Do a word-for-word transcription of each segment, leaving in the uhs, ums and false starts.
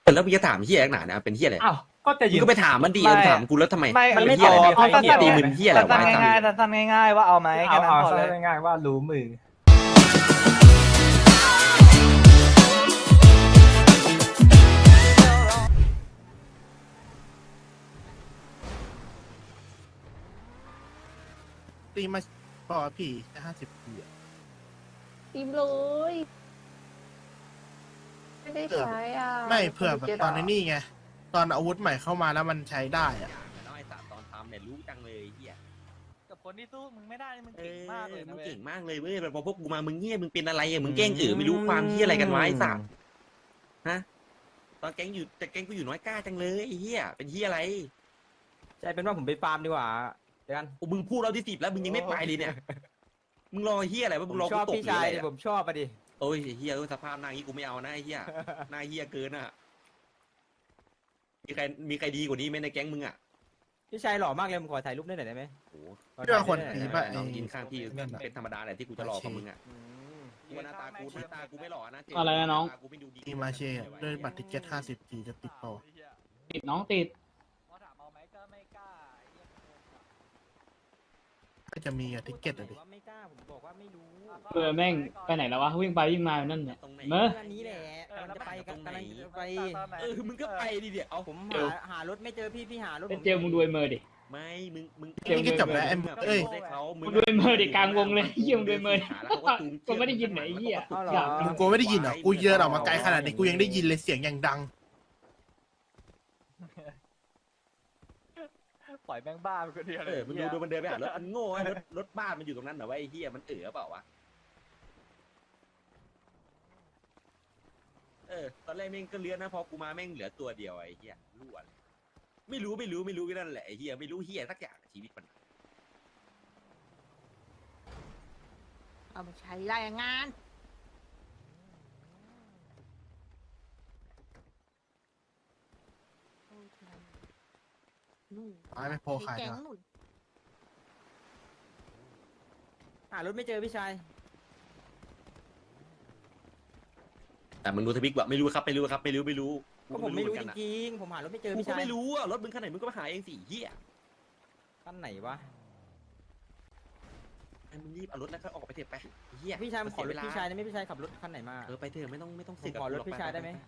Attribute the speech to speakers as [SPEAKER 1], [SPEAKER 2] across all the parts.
[SPEAKER 1] แล้วมึงจะถามเฮียนักหนาเนี่ยเป็นเฮียอะไร
[SPEAKER 2] อ้าวก็จะ
[SPEAKER 1] มึ
[SPEAKER 2] ยื
[SPEAKER 1] ง
[SPEAKER 2] น
[SPEAKER 1] ก็ไปถามมันดี
[SPEAKER 2] ไม่
[SPEAKER 1] ถามกูแล้วทำไม
[SPEAKER 3] ไม่
[SPEAKER 2] มันไม่
[SPEAKER 1] เฮียอะไร
[SPEAKER 2] ตอบ
[SPEAKER 1] เนี่ย
[SPEAKER 2] เอาสั้นๆ
[SPEAKER 1] ตีมึงเฮียอะไรวะ
[SPEAKER 3] สั้นๆง่ายๆสั้นๆง่ายๆว่าเอาไหมแค่
[SPEAKER 2] เอา
[SPEAKER 3] นั้น
[SPEAKER 2] เอา
[SPEAKER 3] พอเลย
[SPEAKER 2] ง่ายๆว่ารู้มือ
[SPEAKER 4] ตีมาพอพี่ห้าสิบปีอะ
[SPEAKER 5] ตีมเลยไม่ได้ใช้อ่ะ
[SPEAKER 4] ไม่เผื่อแบบตอนนี้ไง ตอนอาวุธใหม่เข้ามาแล้วมันใช้ได้อะ
[SPEAKER 1] แล้วไอ้สามตอนทำเนี่ยรู้จังเลยเฮีย
[SPEAKER 3] กับคนที่สู้มึงไม่ได้มึง
[SPEAKER 1] เอ
[SPEAKER 3] เก่ง
[SPEAKER 1] อ
[SPEAKER 3] มากเลย
[SPEAKER 1] มึ
[SPEAKER 3] นะ
[SPEAKER 1] ง
[SPEAKER 3] เว้ย
[SPEAKER 1] เก่งมากเลยเว้ยพอพวกกูมามึงเงียบมึงเป็นอะไรอ่ะมึงแกล้งเอ๋อไม่รู้ความเฮียอะไรกันวะไอ้สัตว์ฮะตอนแก๊งอยู่แต่แก๊งกูอยู่น้อยกล้าจังเลยไอ้เฮียเป็นเฮียอะไร
[SPEAKER 6] ใช่เป็นว่าผมไปฟาร์มดีกว่าเดี๋ยวกัน
[SPEAKER 1] โอ้มึงพูดเราที่สิบแล้วมึงยังไม่ไปเลยเนี่ยมึงรอเฮียอะไรวะ
[SPEAKER 6] ผ
[SPEAKER 1] มึ
[SPEAKER 6] ม
[SPEAKER 1] งรอ
[SPEAKER 6] ช
[SPEAKER 1] กู
[SPEAKER 6] อบ
[SPEAKER 1] ตก
[SPEAKER 6] พี่
[SPEAKER 1] หรือ
[SPEAKER 6] ชาย
[SPEAKER 1] อะไร
[SPEAKER 6] ดิ
[SPEAKER 1] อะ
[SPEAKER 6] ผมชอบอะดิ
[SPEAKER 1] โอ้ยเฮียเออสภาพหน้าอย่างงี้กูไม่เอานะไอ้เฮียหน้าเฮียเกินอ่ะมีใครมีใครดีกว่านี้ไหมในแก๊งมึงอ่ะ
[SPEAKER 6] พี่ชายหล่อมากเลยผมขอถ่ายรูปได้หน่อยได้ไหม
[SPEAKER 1] โอ้
[SPEAKER 6] ขอ
[SPEAKER 4] พี่
[SPEAKER 6] ถ่าย
[SPEAKER 4] ว่าคน
[SPEAKER 6] ได้ห
[SPEAKER 4] ตี
[SPEAKER 6] อย
[SPEAKER 4] ป่ะ
[SPEAKER 1] น้อง
[SPEAKER 4] ไอ้
[SPEAKER 1] กินข้างพี่เป็นธรรมดาแหละที่กูจะหลอกกับมึงอ่ะ
[SPEAKER 6] อืม
[SPEAKER 1] กูว่าหน้าตากูหน้าตากูไม่หล่อนะเจ
[SPEAKER 7] อะไรนะน้อง
[SPEAKER 1] หาตากูไม่ดูดี
[SPEAKER 4] ตีมาเชอะด้วยบัตรทิเก็ตห้าสิบทีจะติดต่อ
[SPEAKER 7] ติดน้องติด
[SPEAKER 3] พอถามเอาไหมก็ไม่กล้าไอ้เหี้ย
[SPEAKER 4] ก็จะมีอะทิเก็ตอะดิ
[SPEAKER 6] ผมว่าไม่กล้าผมบอกว่าไม่รู้
[SPEAKER 7] เออแม่งไปไหนแล้ววะวิ่งไปวิ่งมาอยู่นั่นเนี่ย
[SPEAKER 1] ตรงไหน
[SPEAKER 7] เมื่อ
[SPEAKER 6] อันนี้แหละกำลังจะไปกำลังจะไป
[SPEAKER 1] เออมึงก็ไปดิเดี๋ยวเอา
[SPEAKER 6] ผม
[SPEAKER 7] เอ
[SPEAKER 6] หา
[SPEAKER 7] อ
[SPEAKER 6] หารถไม่เจอพี่พี่หารถ
[SPEAKER 7] ไป
[SPEAKER 6] ผม
[SPEAKER 7] เจอมึงด้วยเมอร์ดิ
[SPEAKER 1] ไม่มึงมึง
[SPEAKER 7] เจอ
[SPEAKER 4] นี่ก็จบแล้วไอ้เอ้ย
[SPEAKER 1] ให้เขามึ
[SPEAKER 7] มึงด้วยเมอร์ดิกลางวงเลยเหี้ยมึงด้วยเมอร์
[SPEAKER 1] หาแล้วเขาก็จูง
[SPEAKER 7] กูไม่ได้ยินไหนไอ้เหี้ย
[SPEAKER 6] เอาเหรอ
[SPEAKER 7] ด่า
[SPEAKER 4] มึงกูไม่ได้ยินเหรอกูเดินออกมาไกลขนาดนี้กูยังได้ยินเลยเสียงอย่างดัง
[SPEAKER 3] ปล่อยแม่งบ้าไปคนเดียวเล
[SPEAKER 1] เอย อมึงดูดูมันเดินไปหารถมันโง่ไอ้รถรถบ้านมันอยู่ตรงนั้นเหรอวะไอ้เหี้ยมันเอ๋อเปล่าวะเออตอนแรกแม่งก็เลี้ยนนะพอกูมาแม่งเหลือตัวเดียวไอ้เหี้ยรั่วเลยไม่รู้ไม่รู้ไม่รู้ก็นั่นแหละไอ้เหี้ยไม่รู้เหี้ยสักอย่างชีวิตมัน
[SPEAKER 5] เอามาใช้รายงานนู่น
[SPEAKER 4] ตายไม่พอขาย
[SPEAKER 5] แก๊ง
[SPEAKER 4] นะ
[SPEAKER 5] นู่น
[SPEAKER 6] หารถไม่เจอพี่ชาย
[SPEAKER 1] แต่มึงดูทวิกว่าไม่รู้ครับไม่รู้ครับไม่รู้ไม่รู้
[SPEAKER 6] ก็ผมไม่รู้
[SPEAKER 1] เห
[SPEAKER 6] จ
[SPEAKER 1] อนกันอะ
[SPEAKER 6] ริงๆผมหารถไม่เจอ
[SPEAKER 1] กู
[SPEAKER 6] พี่
[SPEAKER 1] ก็
[SPEAKER 6] ชาย
[SPEAKER 1] ไม่รู้อ่ะรถมึงคันไหนมึงก็มาหาเองสิเหี้ย
[SPEAKER 6] คันไหนวะ
[SPEAKER 1] ไอ้มึงรีบเอารถแล้วก็ออกไปเถอะไปเหี้ย
[SPEAKER 6] พี่ชายผมขอร
[SPEAKER 1] เสี
[SPEAKER 6] ถ
[SPEAKER 1] เวล
[SPEAKER 6] พี่ชายได้ไหมพี่ชายขับรถคันไหนมา
[SPEAKER 1] เออไปเถอะไม่ต้องไม่ต้อง
[SPEAKER 6] ผ
[SPEAKER 1] เสีย
[SPEAKER 6] ม
[SPEAKER 1] กับ
[SPEAKER 6] ขอรถ
[SPEAKER 1] กูหก
[SPEAKER 6] พี่ชายได้ไหม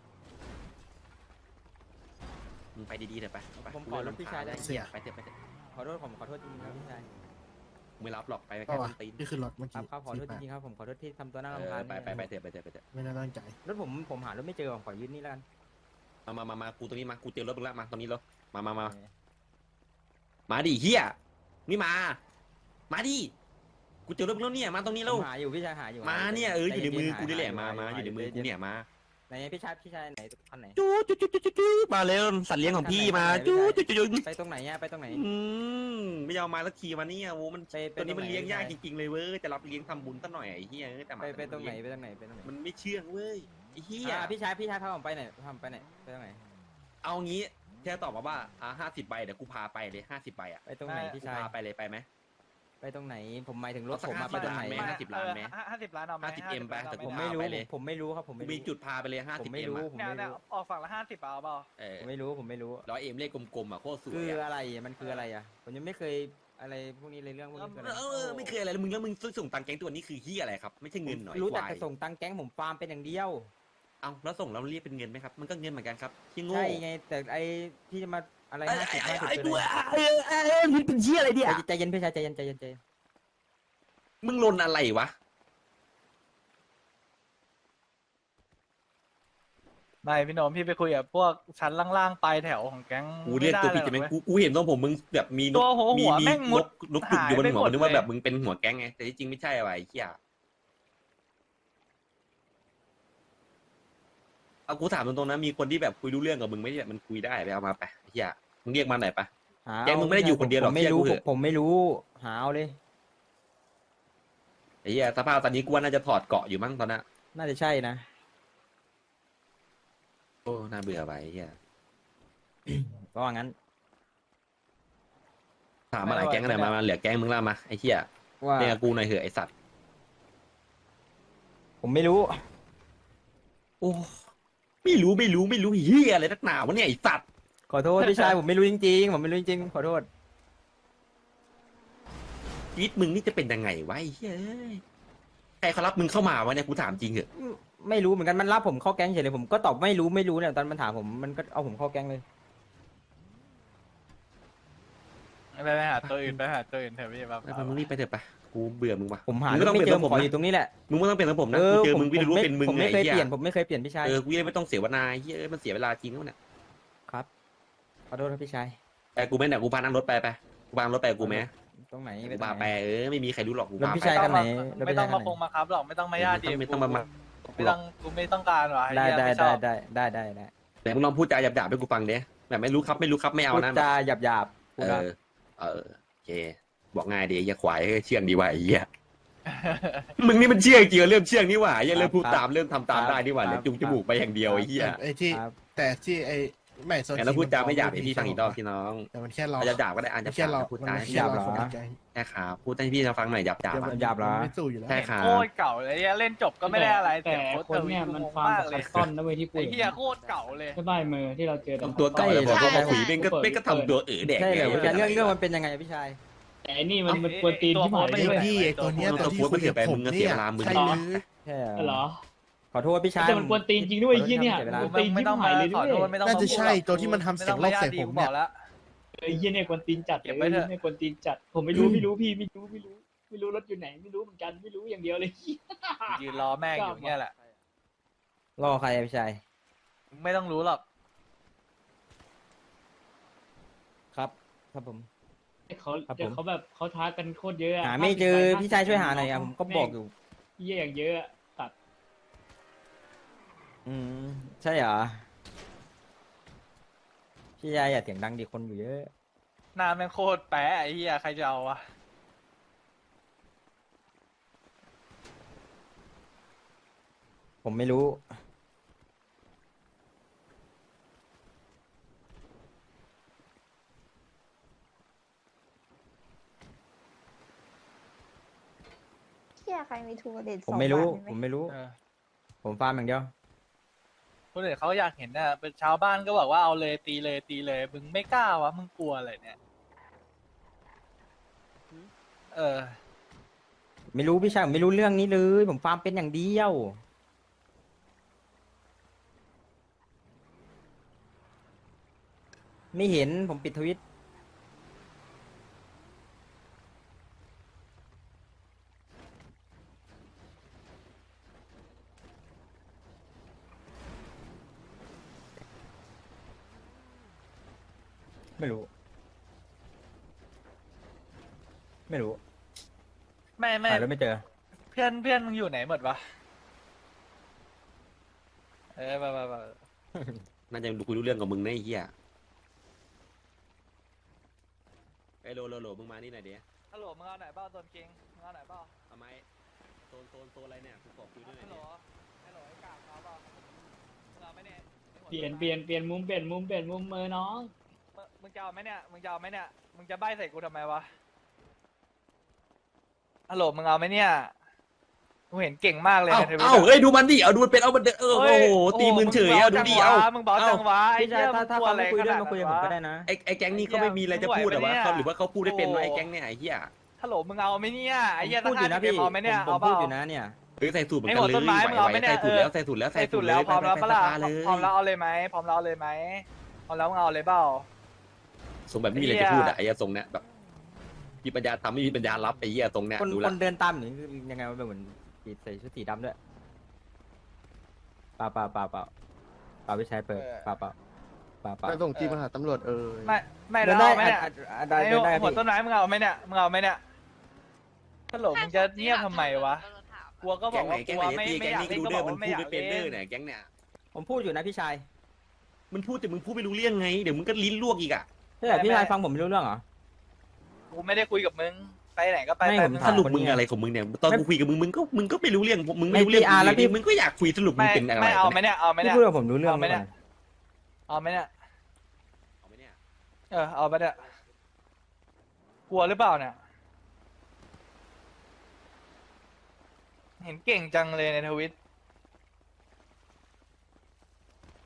[SPEAKER 1] มึงไปดีๆเถอะไปไป
[SPEAKER 6] ผมขอรถพี่ชายได้
[SPEAKER 1] เสียไปเถอะไปเถอะ
[SPEAKER 6] ขอโทษผมขอโทษจริงๆครับพี่ชาย
[SPEAKER 1] กูไม่รับหรอกไป
[SPEAKER 4] ก็
[SPEAKER 1] แค่
[SPEAKER 4] วะ
[SPEAKER 1] ต้นตีน
[SPEAKER 4] นี่คือรถเมื่อ
[SPEAKER 6] ครั
[SPEAKER 4] กี้
[SPEAKER 6] บครับขอโทษจริงๆครับผมขอโทษที่ทำตัวน่า
[SPEAKER 1] เอ
[SPEAKER 6] รำคา
[SPEAKER 1] อ
[SPEAKER 6] ญ
[SPEAKER 1] ไปไปไปเถอะไปเถอะไปเถอะ
[SPEAKER 4] ไม่ได้ตั้งใจ
[SPEAKER 6] รถผมผมหารถไม่เจอผมขอยืนนี่แล้วกัน
[SPEAKER 1] มามามามากูตรงนี้มากูเจอรถมึงละมาตรงนี้แล้วมามามามาดิเหี้ยนี่มา มาดิกูเจอรถมึงแล้วเนี่ยมาตรงนี้
[SPEAKER 6] ผ
[SPEAKER 1] แล้ว
[SPEAKER 6] มหาอยู่พี่ชายหาอยู่
[SPEAKER 1] มาเนี่ยเอออยู่ในมือกูนี่แหละมามาอยู่ในมือกูเนี่ยมา
[SPEAKER 6] ไหนพี่ชายพี่ชายไหนคันไหน
[SPEAKER 1] จู๊จู๊จู๊จู๊จู๊มาเร็วสัตว์เลี้ยงของพี่มาจู๊จู๊จู๊จู๊
[SPEAKER 6] ไปตรงไหนเนี่ยไปตรงไหน
[SPEAKER 1] อืมไม่ยอมมาสักทีมาเนี่ยโอ้มัน
[SPEAKER 6] ไปไป
[SPEAKER 1] ตัวนี้มัน
[SPEAKER 6] ตรงไหน
[SPEAKER 1] เลี้ยงยาก
[SPEAKER 6] ไป
[SPEAKER 1] จริงๆเลยเว้ยจะรับเลี้ยงทำบุญซะหน่อยไอ้เหี้ยเอ้ยแต่หมา
[SPEAKER 6] ไปไปตรงไหน
[SPEAKER 1] มั
[SPEAKER 6] ไปตรงไหนไปตรงไหน
[SPEAKER 1] มันไม่เชื่องเว้ยไอ้เหี้ย
[SPEAKER 6] อ่าพี่ชายพี่ชายพาผมไปไหนพาผมไปไหนไปตรงไหน
[SPEAKER 1] เอางี้แค่ตอบมาว่าอ่าห้าสิบใบเดี๋ยวกูพาไปเลยห้าสิบใบอ่ะ
[SPEAKER 6] ไปตรงไหนพี่
[SPEAKER 1] กู
[SPEAKER 6] ชาย
[SPEAKER 1] พาไปเลยไปไหม
[SPEAKER 6] ไปตรงไหนผมหมายถึงรถ
[SPEAKER 1] เอาสัก
[SPEAKER 6] ผมมา
[SPEAKER 1] ห้าสิบ
[SPEAKER 6] ไปตรงไหน
[SPEAKER 1] ล้านไหม ห้าสิบล้านไหม
[SPEAKER 3] ห้าสิบล้านเอาไหม
[SPEAKER 1] ห้าสิบ M ไปแต่
[SPEAKER 6] ผมไม่รู้
[SPEAKER 1] พาไปเลย
[SPEAKER 6] ผมไม่รู้ครับผม
[SPEAKER 1] กู
[SPEAKER 6] ไม่
[SPEAKER 1] มี
[SPEAKER 6] รู้
[SPEAKER 1] จุดพาไปเลยห้า
[SPEAKER 6] ผ
[SPEAKER 1] สิบ
[SPEAKER 6] มไม่
[SPEAKER 1] เอ็ม
[SPEAKER 6] รู้
[SPEAKER 1] อ่ะ
[SPEAKER 6] ผม
[SPEAKER 3] เนี่ย
[SPEAKER 6] ไม่
[SPEAKER 3] เนี่ย
[SPEAKER 6] รู้
[SPEAKER 3] ออกฝั่งละห้าสิบเอาเปล่า
[SPEAKER 1] เออ
[SPEAKER 6] ผมไม่รู้ผมไม่รู้
[SPEAKER 1] ร้อยเอ็มเลขกลมๆอ่ะโคตรสวย
[SPEAKER 6] คือ
[SPEAKER 1] อ่ะ
[SPEAKER 6] อะไรมันคืออะไรอ่ะผมยังไม่เคยอะไรพวกนี้เลยเรื่องพวกนี้คืออะไร
[SPEAKER 1] เออไม่เคยอะไรแล้วมึงแล้วมึงส่งตังค์แก๊งตัวนี้คือเหี้ยอะไรครับไม่ใช่เงินหน่อย
[SPEAKER 6] รู้แต่
[SPEAKER 1] ควาย
[SPEAKER 6] จะส่งตังค์แก๊งผมฟาร์มเป็นอย่างเดียว
[SPEAKER 1] เอาแล้วส่งแล้วเรียกเป็นเงินไหมครับมันก็เงินเหมือนกันครับที่โง่
[SPEAKER 6] ใช่ไงแต่ไอที่จะมาอะไร
[SPEAKER 1] ไอ้
[SPEAKER 6] ห้าสิบ
[SPEAKER 1] ไอ้
[SPEAKER 6] ห้าสิบ
[SPEAKER 1] ไอ้
[SPEAKER 6] เป็น
[SPEAKER 1] กู
[SPEAKER 6] อะไร
[SPEAKER 1] ไอ้ไอ้ไอ้มึงเป็นเหี้ยอะไรเนี่ย
[SPEAKER 6] ใจเย็นพี่ชายใจเย็นใจเย็นใจเย็น
[SPEAKER 1] มึงลนอะไรวะ
[SPEAKER 3] ไม่พี่โนมพี่ไปคุยกับพวกชั้นล่างๆปลายแถวของแก๊ง
[SPEAKER 1] กูเรียกตัวผิดใช่ไหม
[SPEAKER 3] ด้
[SPEAKER 1] กูกูเห็นตรงผมมึงแบบมีน
[SPEAKER 3] ตั
[SPEAKER 1] ก
[SPEAKER 3] วหัว
[SPEAKER 1] มี
[SPEAKER 3] หัว
[SPEAKER 1] มี
[SPEAKER 3] แม่ง
[SPEAKER 1] น
[SPEAKER 3] มุด
[SPEAKER 1] กนกจุกอยู่บน
[SPEAKER 3] หายไป
[SPEAKER 1] หัว
[SPEAKER 3] หมด
[SPEAKER 1] นึกว่า
[SPEAKER 3] เลย
[SPEAKER 1] แบบมึงเป็นหัวแก๊งไงแต่ที่จริงไม่ใช่อะไรเหี้ยเอากูถามตรงๆนะมีคนที่แบบคุยรู้เรื่องกับมึงไหมเนี่ยมันคุยได้ไปเอามาไปเหี้ยมึงเรียกมาหน่อยปะ
[SPEAKER 6] หา
[SPEAKER 1] แก๊งมึงไม่ได้อยู่คนเดียวหรอก
[SPEAKER 6] ผมไม่รู้
[SPEAKER 1] เชื่อกูเถอะ
[SPEAKER 6] ผมไม่รู้หาเอาเลย
[SPEAKER 1] ไอ้เหี้ยสภาพตอนนี้กูว่าน่าจะถอดเกาะอยู่มั้งตอนนั้น
[SPEAKER 6] น่าจะใช่นะ
[SPEAKER 1] โอ้น่าเบื่อไปไอ้เหี้ย
[SPEAKER 6] ก็ว่างั้น
[SPEAKER 1] ถามมาหลายแก๊งกันหน่อยมามาเหลือแก๊งมึงแล้วมาไอ้เหี้ย
[SPEAKER 6] ว่า
[SPEAKER 1] เรียกกูหน่อยเถอะไอ้สัตว์
[SPEAKER 6] ผมไม่รู้
[SPEAKER 1] โอ้ไม่รู้ไม่รู้ไม่รู้เฮียอะไรนักหนาวะเนี่ยไอ้สัตว์
[SPEAKER 6] ขอโทษพี่ชายผมไม่รู้จริงๆผมไม่รู้จริงๆขอโทษ
[SPEAKER 1] ชีวิตมึงนี่จะเป็นยังไงวะไอ้เฮ้ยใครเขารับมึงเข้ามาวะเนี่ยกูถามจริงเหอะ
[SPEAKER 6] ไม่รู้เหมือนกันมันรับผมเข้าแก๊งเฉยเลยผมก็ตอบไม่รู้ไม่รู้เนี่ยตอนมันถามผมมันก็เอาผมเข้าแก๊งเลย
[SPEAKER 3] ไปไปหาตัวอื่นไปหาตัวอื่นเถอะพี่แบบ
[SPEAKER 1] ไปไปมึงรีบไปเถอะไปกูเบื่อมึงว่ะ
[SPEAKER 6] ผมหา
[SPEAKER 1] มึงก็ต้อง
[SPEAKER 6] ไม่
[SPEAKER 1] เปลี่
[SPEAKER 6] เจ
[SPEAKER 1] ยน
[SPEAKER 6] อ
[SPEAKER 1] ผ
[SPEAKER 6] ผม มขออยู่ตรงนี้แหละ
[SPEAKER 1] มึงไม่ต้องเป็นระผมนะกูเจอมึงกูจะรู้ว่าเป็นมึง
[SPEAKER 6] ผม
[SPEAKER 1] ไง
[SPEAKER 6] ไม่เคย
[SPEAKER 1] ไอ้
[SPEAKER 6] เป
[SPEAKER 1] เหี้
[SPEAKER 6] ลี่
[SPEAKER 1] ย
[SPEAKER 6] ยนผมไม่เคยเปลี่ยนพี่ชาย
[SPEAKER 1] เออกูยังไม่ต้องเสียเวลาไอ้เหี้ยเอ้ยมันเสียเวลาจริงแล้วเนี่ย
[SPEAKER 6] ครับขอโทษครับพี่ชาย
[SPEAKER 1] แต่กูไม่เนี่ยกูพานั่งรถไปไปกูพานั่งรถไปกับกูไหม
[SPEAKER 6] ตรงไหน
[SPEAKER 1] กูพาไปเออไม่มีใครรู้หรอกกู
[SPEAKER 6] รถ
[SPEAKER 1] พา
[SPEAKER 6] พี่
[SPEAKER 1] ไป
[SPEAKER 6] ชายกันไหนรถ
[SPEAKER 3] ไม่
[SPEAKER 6] พี่
[SPEAKER 3] ต้
[SPEAKER 6] ชา
[SPEAKER 3] อย ง
[SPEAKER 6] กั
[SPEAKER 3] มาน
[SPEAKER 6] ไห
[SPEAKER 3] คง
[SPEAKER 6] น
[SPEAKER 3] มาครับหรอกไม่ต้องมาญาติดี
[SPEAKER 1] ไม่ต้องมามา
[SPEAKER 3] ไม่ต้องกูไม่ต้องการหรอก
[SPEAKER 6] ได้ได้
[SPEAKER 3] ไม่ช
[SPEAKER 6] ได้
[SPEAKER 3] อบ
[SPEAKER 6] ได้ได้ได้ได้
[SPEAKER 1] แต่มึงลองพูดจาหยาบๆให้กูฟังเด้แบบไม่รู้ครับไม่รู้ครับไม่เอา
[SPEAKER 6] พูด
[SPEAKER 1] นะ
[SPEAKER 6] จาหยาบหยาบๆพู
[SPEAKER 1] เอ
[SPEAKER 6] ดครับ
[SPEAKER 1] อเออโอเคบอกง่ายดีอย่าขวายเชื่องดีว่ะไอ้เหี้ยมึงนี่มันเชื่องจริงเริ่มเชื่องนี่หว่าอย่าเริ่มพูดตามเริ่มทำตามได้นี่หว่าเริ่มจุงจมูกไปอย่างเดียวไอ้เหี้ย
[SPEAKER 4] ไอ้ที่
[SPEAKER 6] ครับ
[SPEAKER 4] แต่ที่ไอ้ไม่โซ
[SPEAKER 1] แต่เราพูดจาไม่หยาบให้พี่ฟังอีกรอบพี่น้อง
[SPEAKER 4] แต่มันแค่เรา
[SPEAKER 1] อาจจะหยาบก็ได้อาจจะ
[SPEAKER 4] แค่เรา
[SPEAKER 1] พูด
[SPEAKER 4] มัน
[SPEAKER 1] จาให้
[SPEAKER 4] แค่เรา
[SPEAKER 6] หยาบเหรอ
[SPEAKER 4] คนในใจ
[SPEAKER 1] ใช่ครับพูดให้พี่ฟังหน่อยหยาบหยาบ
[SPEAKER 6] หยาบเหรอ
[SPEAKER 4] มันไม่สู้อยู่แล้ว
[SPEAKER 1] ใช่ครับ
[SPEAKER 3] โคตรเก่าเลยเล่นจบก็ไม่ได้อะไร
[SPEAKER 7] แต่
[SPEAKER 3] โคตร
[SPEAKER 7] คนเนี่ยมันฟาร์ม
[SPEAKER 3] มาก
[SPEAKER 7] กับ
[SPEAKER 3] เล
[SPEAKER 7] คั
[SPEAKER 3] ย
[SPEAKER 7] สตอนนะเว้ยที่กู
[SPEAKER 3] ไอ้เหี้ยโคตรเก่าเลย
[SPEAKER 7] ใช่ป่ะเมอร์ที่เราเจอ
[SPEAKER 1] ทำตัวเก่าเลยพอ
[SPEAKER 6] ใช่
[SPEAKER 1] พอคุยเป็นก็เป็นก็ทำตัวเออแดก
[SPEAKER 6] ใช่เลย
[SPEAKER 1] ไง
[SPEAKER 6] พี่ชายเรื่องเรื่องมันเป็นยังไงอะพี่ชาย
[SPEAKER 7] แต่อันนี่มันมันกวนตีนที่หมาย
[SPEAKER 4] ไอ้
[SPEAKER 7] ด้วย
[SPEAKER 4] พี่ไอ้ตัวเนี้ยตัวที่คุยกับผมเนี่ยใช่หรือ
[SPEAKER 6] ใช่
[SPEAKER 7] เหรอ
[SPEAKER 6] ขอโทษพี่ชาย
[SPEAKER 7] แต่มันกวนตีนจริงด้วยไอ้เหี้ยเนี่ย
[SPEAKER 6] ขอโทษ
[SPEAKER 7] กวนตีน
[SPEAKER 3] ไม่
[SPEAKER 7] ที่
[SPEAKER 3] ต้อง
[SPEAKER 7] หาม
[SPEAKER 3] าย
[SPEAKER 7] เลย
[SPEAKER 3] ขอ
[SPEAKER 7] ด้
[SPEAKER 3] โท
[SPEAKER 7] ว
[SPEAKER 3] ษ
[SPEAKER 7] ย
[SPEAKER 3] ไม่ต้อง
[SPEAKER 4] น่าจะ
[SPEAKER 3] พูด
[SPEAKER 4] ใช่ตัวที่มันทำเสียงลบใส่ผม
[SPEAKER 3] บ
[SPEAKER 4] เนี่
[SPEAKER 3] อย กแล้ว
[SPEAKER 7] ไอ้เหี้ยเนี่ยกวนตีนจัด
[SPEAKER 3] เก็บ
[SPEAKER 7] เล
[SPEAKER 3] ไว้
[SPEAKER 7] ย
[SPEAKER 3] เถอะ
[SPEAKER 7] เนี่ยกวนตีนจัดผมไม่รู้ไม่รู้พี่ไม่รู้ไม่รู้ไม่รู้รถอยู่ไหนไม่รู้เหมือนกันไม่รู้อย่างเดียวเลย
[SPEAKER 3] ยืนรอแม่งอยู่เนี่ยแหละ
[SPEAKER 6] รอใครอะพี่ชาย
[SPEAKER 3] ไม่ต้องรู้หรอก
[SPEAKER 6] ครับ ครับผม
[SPEAKER 7] เขา
[SPEAKER 6] ครับผม
[SPEAKER 7] เดี๋ยวเขาแบบเขาท้ากันโคตรเยอะะ
[SPEAKER 6] หาไม่เจอ
[SPEAKER 7] ห้าสิบ
[SPEAKER 6] พี่ชายช่วยหาหน่อยอะผมก็บอกอยู่
[SPEAKER 7] เหี้ยอย่างเยอะอะตัด
[SPEAKER 6] อืมใช่เหรอพี่ชายอย่าเสียงดังดิคนอยู่เยอะ
[SPEAKER 3] หน้าแม่งโคตรแปะไอ้เหี้ยใครจะเอาวะ
[SPEAKER 6] ผมไม่รู้
[SPEAKER 5] เที่ยใครมีทูเด็ด
[SPEAKER 6] ผมไม่รู้
[SPEAKER 5] สองบาท
[SPEAKER 6] ผมไม่รู้
[SPEAKER 3] เออ
[SPEAKER 6] ผมฟาร์มอย่างเดียว
[SPEAKER 3] คนอื่นเขาอยากเห็นน่ะเป็นชาวบ้านก็บอกว่าเอาเลยตีเลยตีเลยมึงไม่กล้าวะมึงกลัวอะไรเนี่ยเออ
[SPEAKER 6] ไม่รู้พี่ชายผมไม่รู้เรื่องนี้เลย ผมฟาร์มเป็นอย่างเดียว ไม่เห็นผมปิดทวิตไม่รู้ ไม่รู้
[SPEAKER 3] ไม่ไม่
[SPEAKER 6] หาแล้วไม่เจอ
[SPEAKER 3] เพื่อนเพื่อนมึงอยู่ไหนหมดวะเออมามามา
[SPEAKER 1] น่าจะคุยรู้เรื่องกับมึงนะไอ้เหี้ยไอ้โลโลโลมึงมานี่หน่อยเดี๋ยว
[SPEAKER 3] ฮัลโหลมึงเอาไหนเบ้าโซนคิงมึงเอาไหนเบ้า
[SPEAKER 1] ทำไมโซนโซนโซนอะไรเนี่ยกูขอคุยด้วยหน่
[SPEAKER 3] ฮั
[SPEAKER 1] อย
[SPEAKER 3] ลโหล
[SPEAKER 1] ดิ
[SPEAKER 3] ฮัลโหลไอ้กากเอาเบ้ามึงเอาไหมเนี่ย
[SPEAKER 7] เปลี่ยนเปลี่ยนเปลี่ยนมุมเปลี่ยนมุมเปลี่ยนมุมเมอร์น้อง
[SPEAKER 3] มึงมึงจะเอาไหมเนี่ยมึงจะเอาไหมเนี่ยมึงจะใบ้ใส่กูทำไมวะฮัลโหลมึงเอาไหมเนี่ยกูเห็นเก่งมากเลย
[SPEAKER 1] เอ้า
[SPEAKER 3] ในทวิต
[SPEAKER 1] เอ้าเอ้ยดูมันดิเอาดูมันเป็นเอามันเดินเออโอ้โหตีมือเฉยเอาดูดิเอา
[SPEAKER 3] มึงบอกจังวะไอ้
[SPEAKER 6] พี่ชา
[SPEAKER 3] เหี้
[SPEAKER 6] ย
[SPEAKER 3] ยมึ
[SPEAKER 6] ถ้าง ถ้าก
[SPEAKER 3] ลัว
[SPEAKER 6] เขา
[SPEAKER 3] อะไร
[SPEAKER 6] ไม่คุย
[SPEAKER 3] ข
[SPEAKER 6] ด้วย
[SPEAKER 3] นาด
[SPEAKER 6] มาคุยกับ
[SPEAKER 3] นั้น
[SPEAKER 6] ผม
[SPEAKER 3] วะ
[SPEAKER 6] ก็ได้นะ
[SPEAKER 1] ไอ้ไอ้แก๊งนี้เขาไม่มีอะไรจะพูดเหรอวะเขาหรือว่าเขาพูดได้เป็นวะไอ้แก๊งเนี่ยไอ้เหี้ย
[SPEAKER 3] ฮัลโหลมึงเอาไหมเนี่ยไอ้เหี้ย
[SPEAKER 6] ผมพูดอยู่นะ
[SPEAKER 3] ตั้
[SPEAKER 6] พี่
[SPEAKER 3] งห้าสิบเอ็มเอาไหมเนี่ย
[SPEAKER 6] ผม
[SPEAKER 3] เอา
[SPEAKER 6] ผม
[SPEAKER 3] เป
[SPEAKER 6] พูด
[SPEAKER 3] ล่า
[SPEAKER 6] อยู่นะเนี่ย
[SPEAKER 1] เฮ้ยใส่สูตรเหมือน
[SPEAKER 3] ไอ้
[SPEAKER 1] กัน
[SPEAKER 3] หัว
[SPEAKER 1] เลย
[SPEAKER 3] ต้นไม้มึงเอาไหมเนี่ย
[SPEAKER 1] ใส่สูตรแล้ว
[SPEAKER 3] เออ
[SPEAKER 1] ใส่สูตรแล้วใส่
[SPEAKER 3] ใส่
[SPEAKER 1] สู
[SPEAKER 3] สุ
[SPEAKER 1] ต
[SPEAKER 3] ด
[SPEAKER 1] ร
[SPEAKER 3] แล้ว
[SPEAKER 1] เลย
[SPEAKER 3] พร้อมแล้ว
[SPEAKER 1] ไป
[SPEAKER 3] ปะ
[SPEAKER 1] ไป
[SPEAKER 3] ล่ะ
[SPEAKER 1] สภาเลย
[SPEAKER 3] พร้อมแล้วเอาเลยไหมพร้อมแล้วเอาเลยไหมพร้อมแล้วมึงเอาเลยเปล่า
[SPEAKER 1] ทรงแบบไม่มีอะไรจะพูดอะไอ้เหี้ยทรงเนี้ยแบบมีปัญญาทำไม่มีปัญญารับไอ้เหี้ยทรงเนี้ย
[SPEAKER 6] คน
[SPEAKER 1] ดู
[SPEAKER 6] ค
[SPEAKER 1] แล
[SPEAKER 6] นเดินตามหนูคือยังไงวะเป็นเหมือนใส่ชุดสีดำด้วยเปล่าเปล่าเปล่าเปล่าเปล่าพี่ชายเปิดเปล่าเปล่าเปล่าเปล่า
[SPEAKER 2] ไปส่งจีมาหาตำรวจเออ
[SPEAKER 3] ไม่ไม่
[SPEAKER 6] เดิ
[SPEAKER 3] แล้ว
[SPEAKER 6] นได้
[SPEAKER 3] เอาไหมเนี่ย
[SPEAKER 6] อ่ะอ่ะได้
[SPEAKER 3] ไอ้
[SPEAKER 6] เดินได้
[SPEAKER 3] หัว
[SPEAKER 6] พี่
[SPEAKER 3] ต้นไม้มึงเอาไหมเนี่ยมึงเอาไหมเนี่ยฮัลโหลมึงจะเงียบทำไมวะกลัวก็บ
[SPEAKER 1] แก๊
[SPEAKER 3] อก
[SPEAKER 1] งไหน
[SPEAKER 3] ว่าก
[SPEAKER 1] แก๊ง
[SPEAKER 3] ลั
[SPEAKER 1] ไห
[SPEAKER 3] วน ไม่
[SPEAKER 1] ตี
[SPEAKER 3] ไม่
[SPEAKER 1] แก๊ง
[SPEAKER 3] อยาก
[SPEAKER 1] นี้
[SPEAKER 3] เล่
[SPEAKER 1] ก็
[SPEAKER 3] น
[SPEAKER 1] รู้
[SPEAKER 3] ก็
[SPEAKER 1] เด้
[SPEAKER 3] บ
[SPEAKER 1] อ
[SPEAKER 3] อก
[SPEAKER 1] มัน
[SPEAKER 3] ว่าไม่
[SPEAKER 1] พู
[SPEAKER 3] อ
[SPEAKER 1] ด
[SPEAKER 3] ยาก
[SPEAKER 1] ไม่เป็น
[SPEAKER 3] เล่
[SPEAKER 1] เด้อน เนี่ยแก๊งเนี่ย
[SPEAKER 6] ผมพูดอยู่นะพี่ชาย
[SPEAKER 1] มันพูดแต่มึงพูดไม่รู้เรื่องไงเดี๋ยวมึงก็ลิ้นลวกอีกอะ
[SPEAKER 6] ใช่เหรอพี่ชายฟังผมไม่รู้เรื่องเหรอ
[SPEAKER 3] กูไม่ได้คุยกับมึงไปไหนก็ไป
[SPEAKER 6] ไม่
[SPEAKER 3] ไป
[SPEAKER 6] ผม
[SPEAKER 3] มึง
[SPEAKER 6] ถา
[SPEAKER 1] ส
[SPEAKER 6] ม
[SPEAKER 1] รุปมึงอะไรของมึงเนี่ยตอนกูคุยกับมึงมึงก็มึงก็ไม่รู้เรื่องมึงไม่รู้เรื่อง
[SPEAKER 6] ไม่ PR แล้วพี่
[SPEAKER 1] มึงก็อยากคุยสรุปมึง
[SPEAKER 3] ไม่
[SPEAKER 1] เป็นอะไร
[SPEAKER 3] ไม่เอาไหมเนี่ยเอาไหม
[SPEAKER 6] พี่
[SPEAKER 3] เนี่ย
[SPEAKER 6] พูดกับผมรู้เรื่อง
[SPEAKER 3] เอาไหม
[SPEAKER 6] ไหม
[SPEAKER 3] เนี่ย เอาไหมเนี่ย
[SPEAKER 1] เอาไหมเนี่ย
[SPEAKER 3] เออเอาไปเนี่ยกลัวหรือเปล่าเนี่ยเห็นเก่งจังเลยในทวิต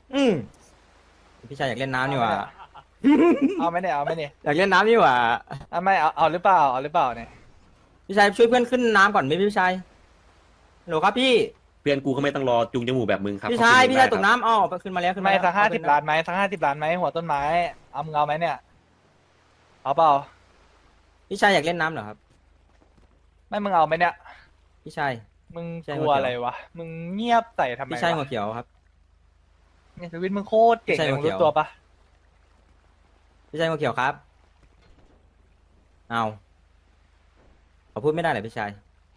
[SPEAKER 6] อืมพี่ชายอยากเล่นน้ำนี่หว่า
[SPEAKER 3] เอาไหมเนี่ยเอาไหมเนี่ย
[SPEAKER 6] อยากเล่นน้ำนี่หว่า
[SPEAKER 3] เอาไม่เอาเอาหรือเปล่าเอาหรือเปล่าเนี่ย
[SPEAKER 6] พี่ชายช่วยเพื่อนขึ้นน้ำก่อนไหมพี่ชายฮัลโหลครับพี่
[SPEAKER 1] เพื่อนกูก็ไม่ต้องรอจุงจมูกแบบมึงครับ
[SPEAKER 6] พี่ชาย
[SPEAKER 1] เขขึ้น
[SPEAKER 6] พี่ชาย
[SPEAKER 1] ได้
[SPEAKER 6] ตกน้ำอ๋อขึ้นมาแล้วขึ้นมา
[SPEAKER 3] ไม่
[SPEAKER 6] แล้ว
[SPEAKER 3] สักห้าสิบ
[SPEAKER 6] ขึ้น
[SPEAKER 3] ล้านไหมสักห้าสิบล้านไหมหัวต้นไม้เอามึงเอาไหมเนี่ยเอาเปล่า
[SPEAKER 6] พี่ชายอยากเล่นน้ำเหรอครับ
[SPEAKER 3] ไม่มึงเอาไหมเนี่ย
[SPEAKER 6] พี่ชาย
[SPEAKER 3] มึง
[SPEAKER 6] ใช่
[SPEAKER 3] กลัว
[SPEAKER 6] หัวเขียว
[SPEAKER 3] อะไรวะมึงเงียบใส่ทำไม
[SPEAKER 6] พี่ชายหัว
[SPEAKER 3] วะ
[SPEAKER 6] เขียวครับ
[SPEAKER 3] เนี่ยชีวิตมึงโคตรเก่ง
[SPEAKER 6] ใช่
[SPEAKER 3] เลย
[SPEAKER 6] หั
[SPEAKER 3] มึ
[SPEAKER 6] ว
[SPEAKER 3] ง
[SPEAKER 6] เขียว
[SPEAKER 3] รู้ตัวปะ
[SPEAKER 6] พี่ชายหัวเขียวครับเอาขอพูดไม่ได้เลยพี่ชาย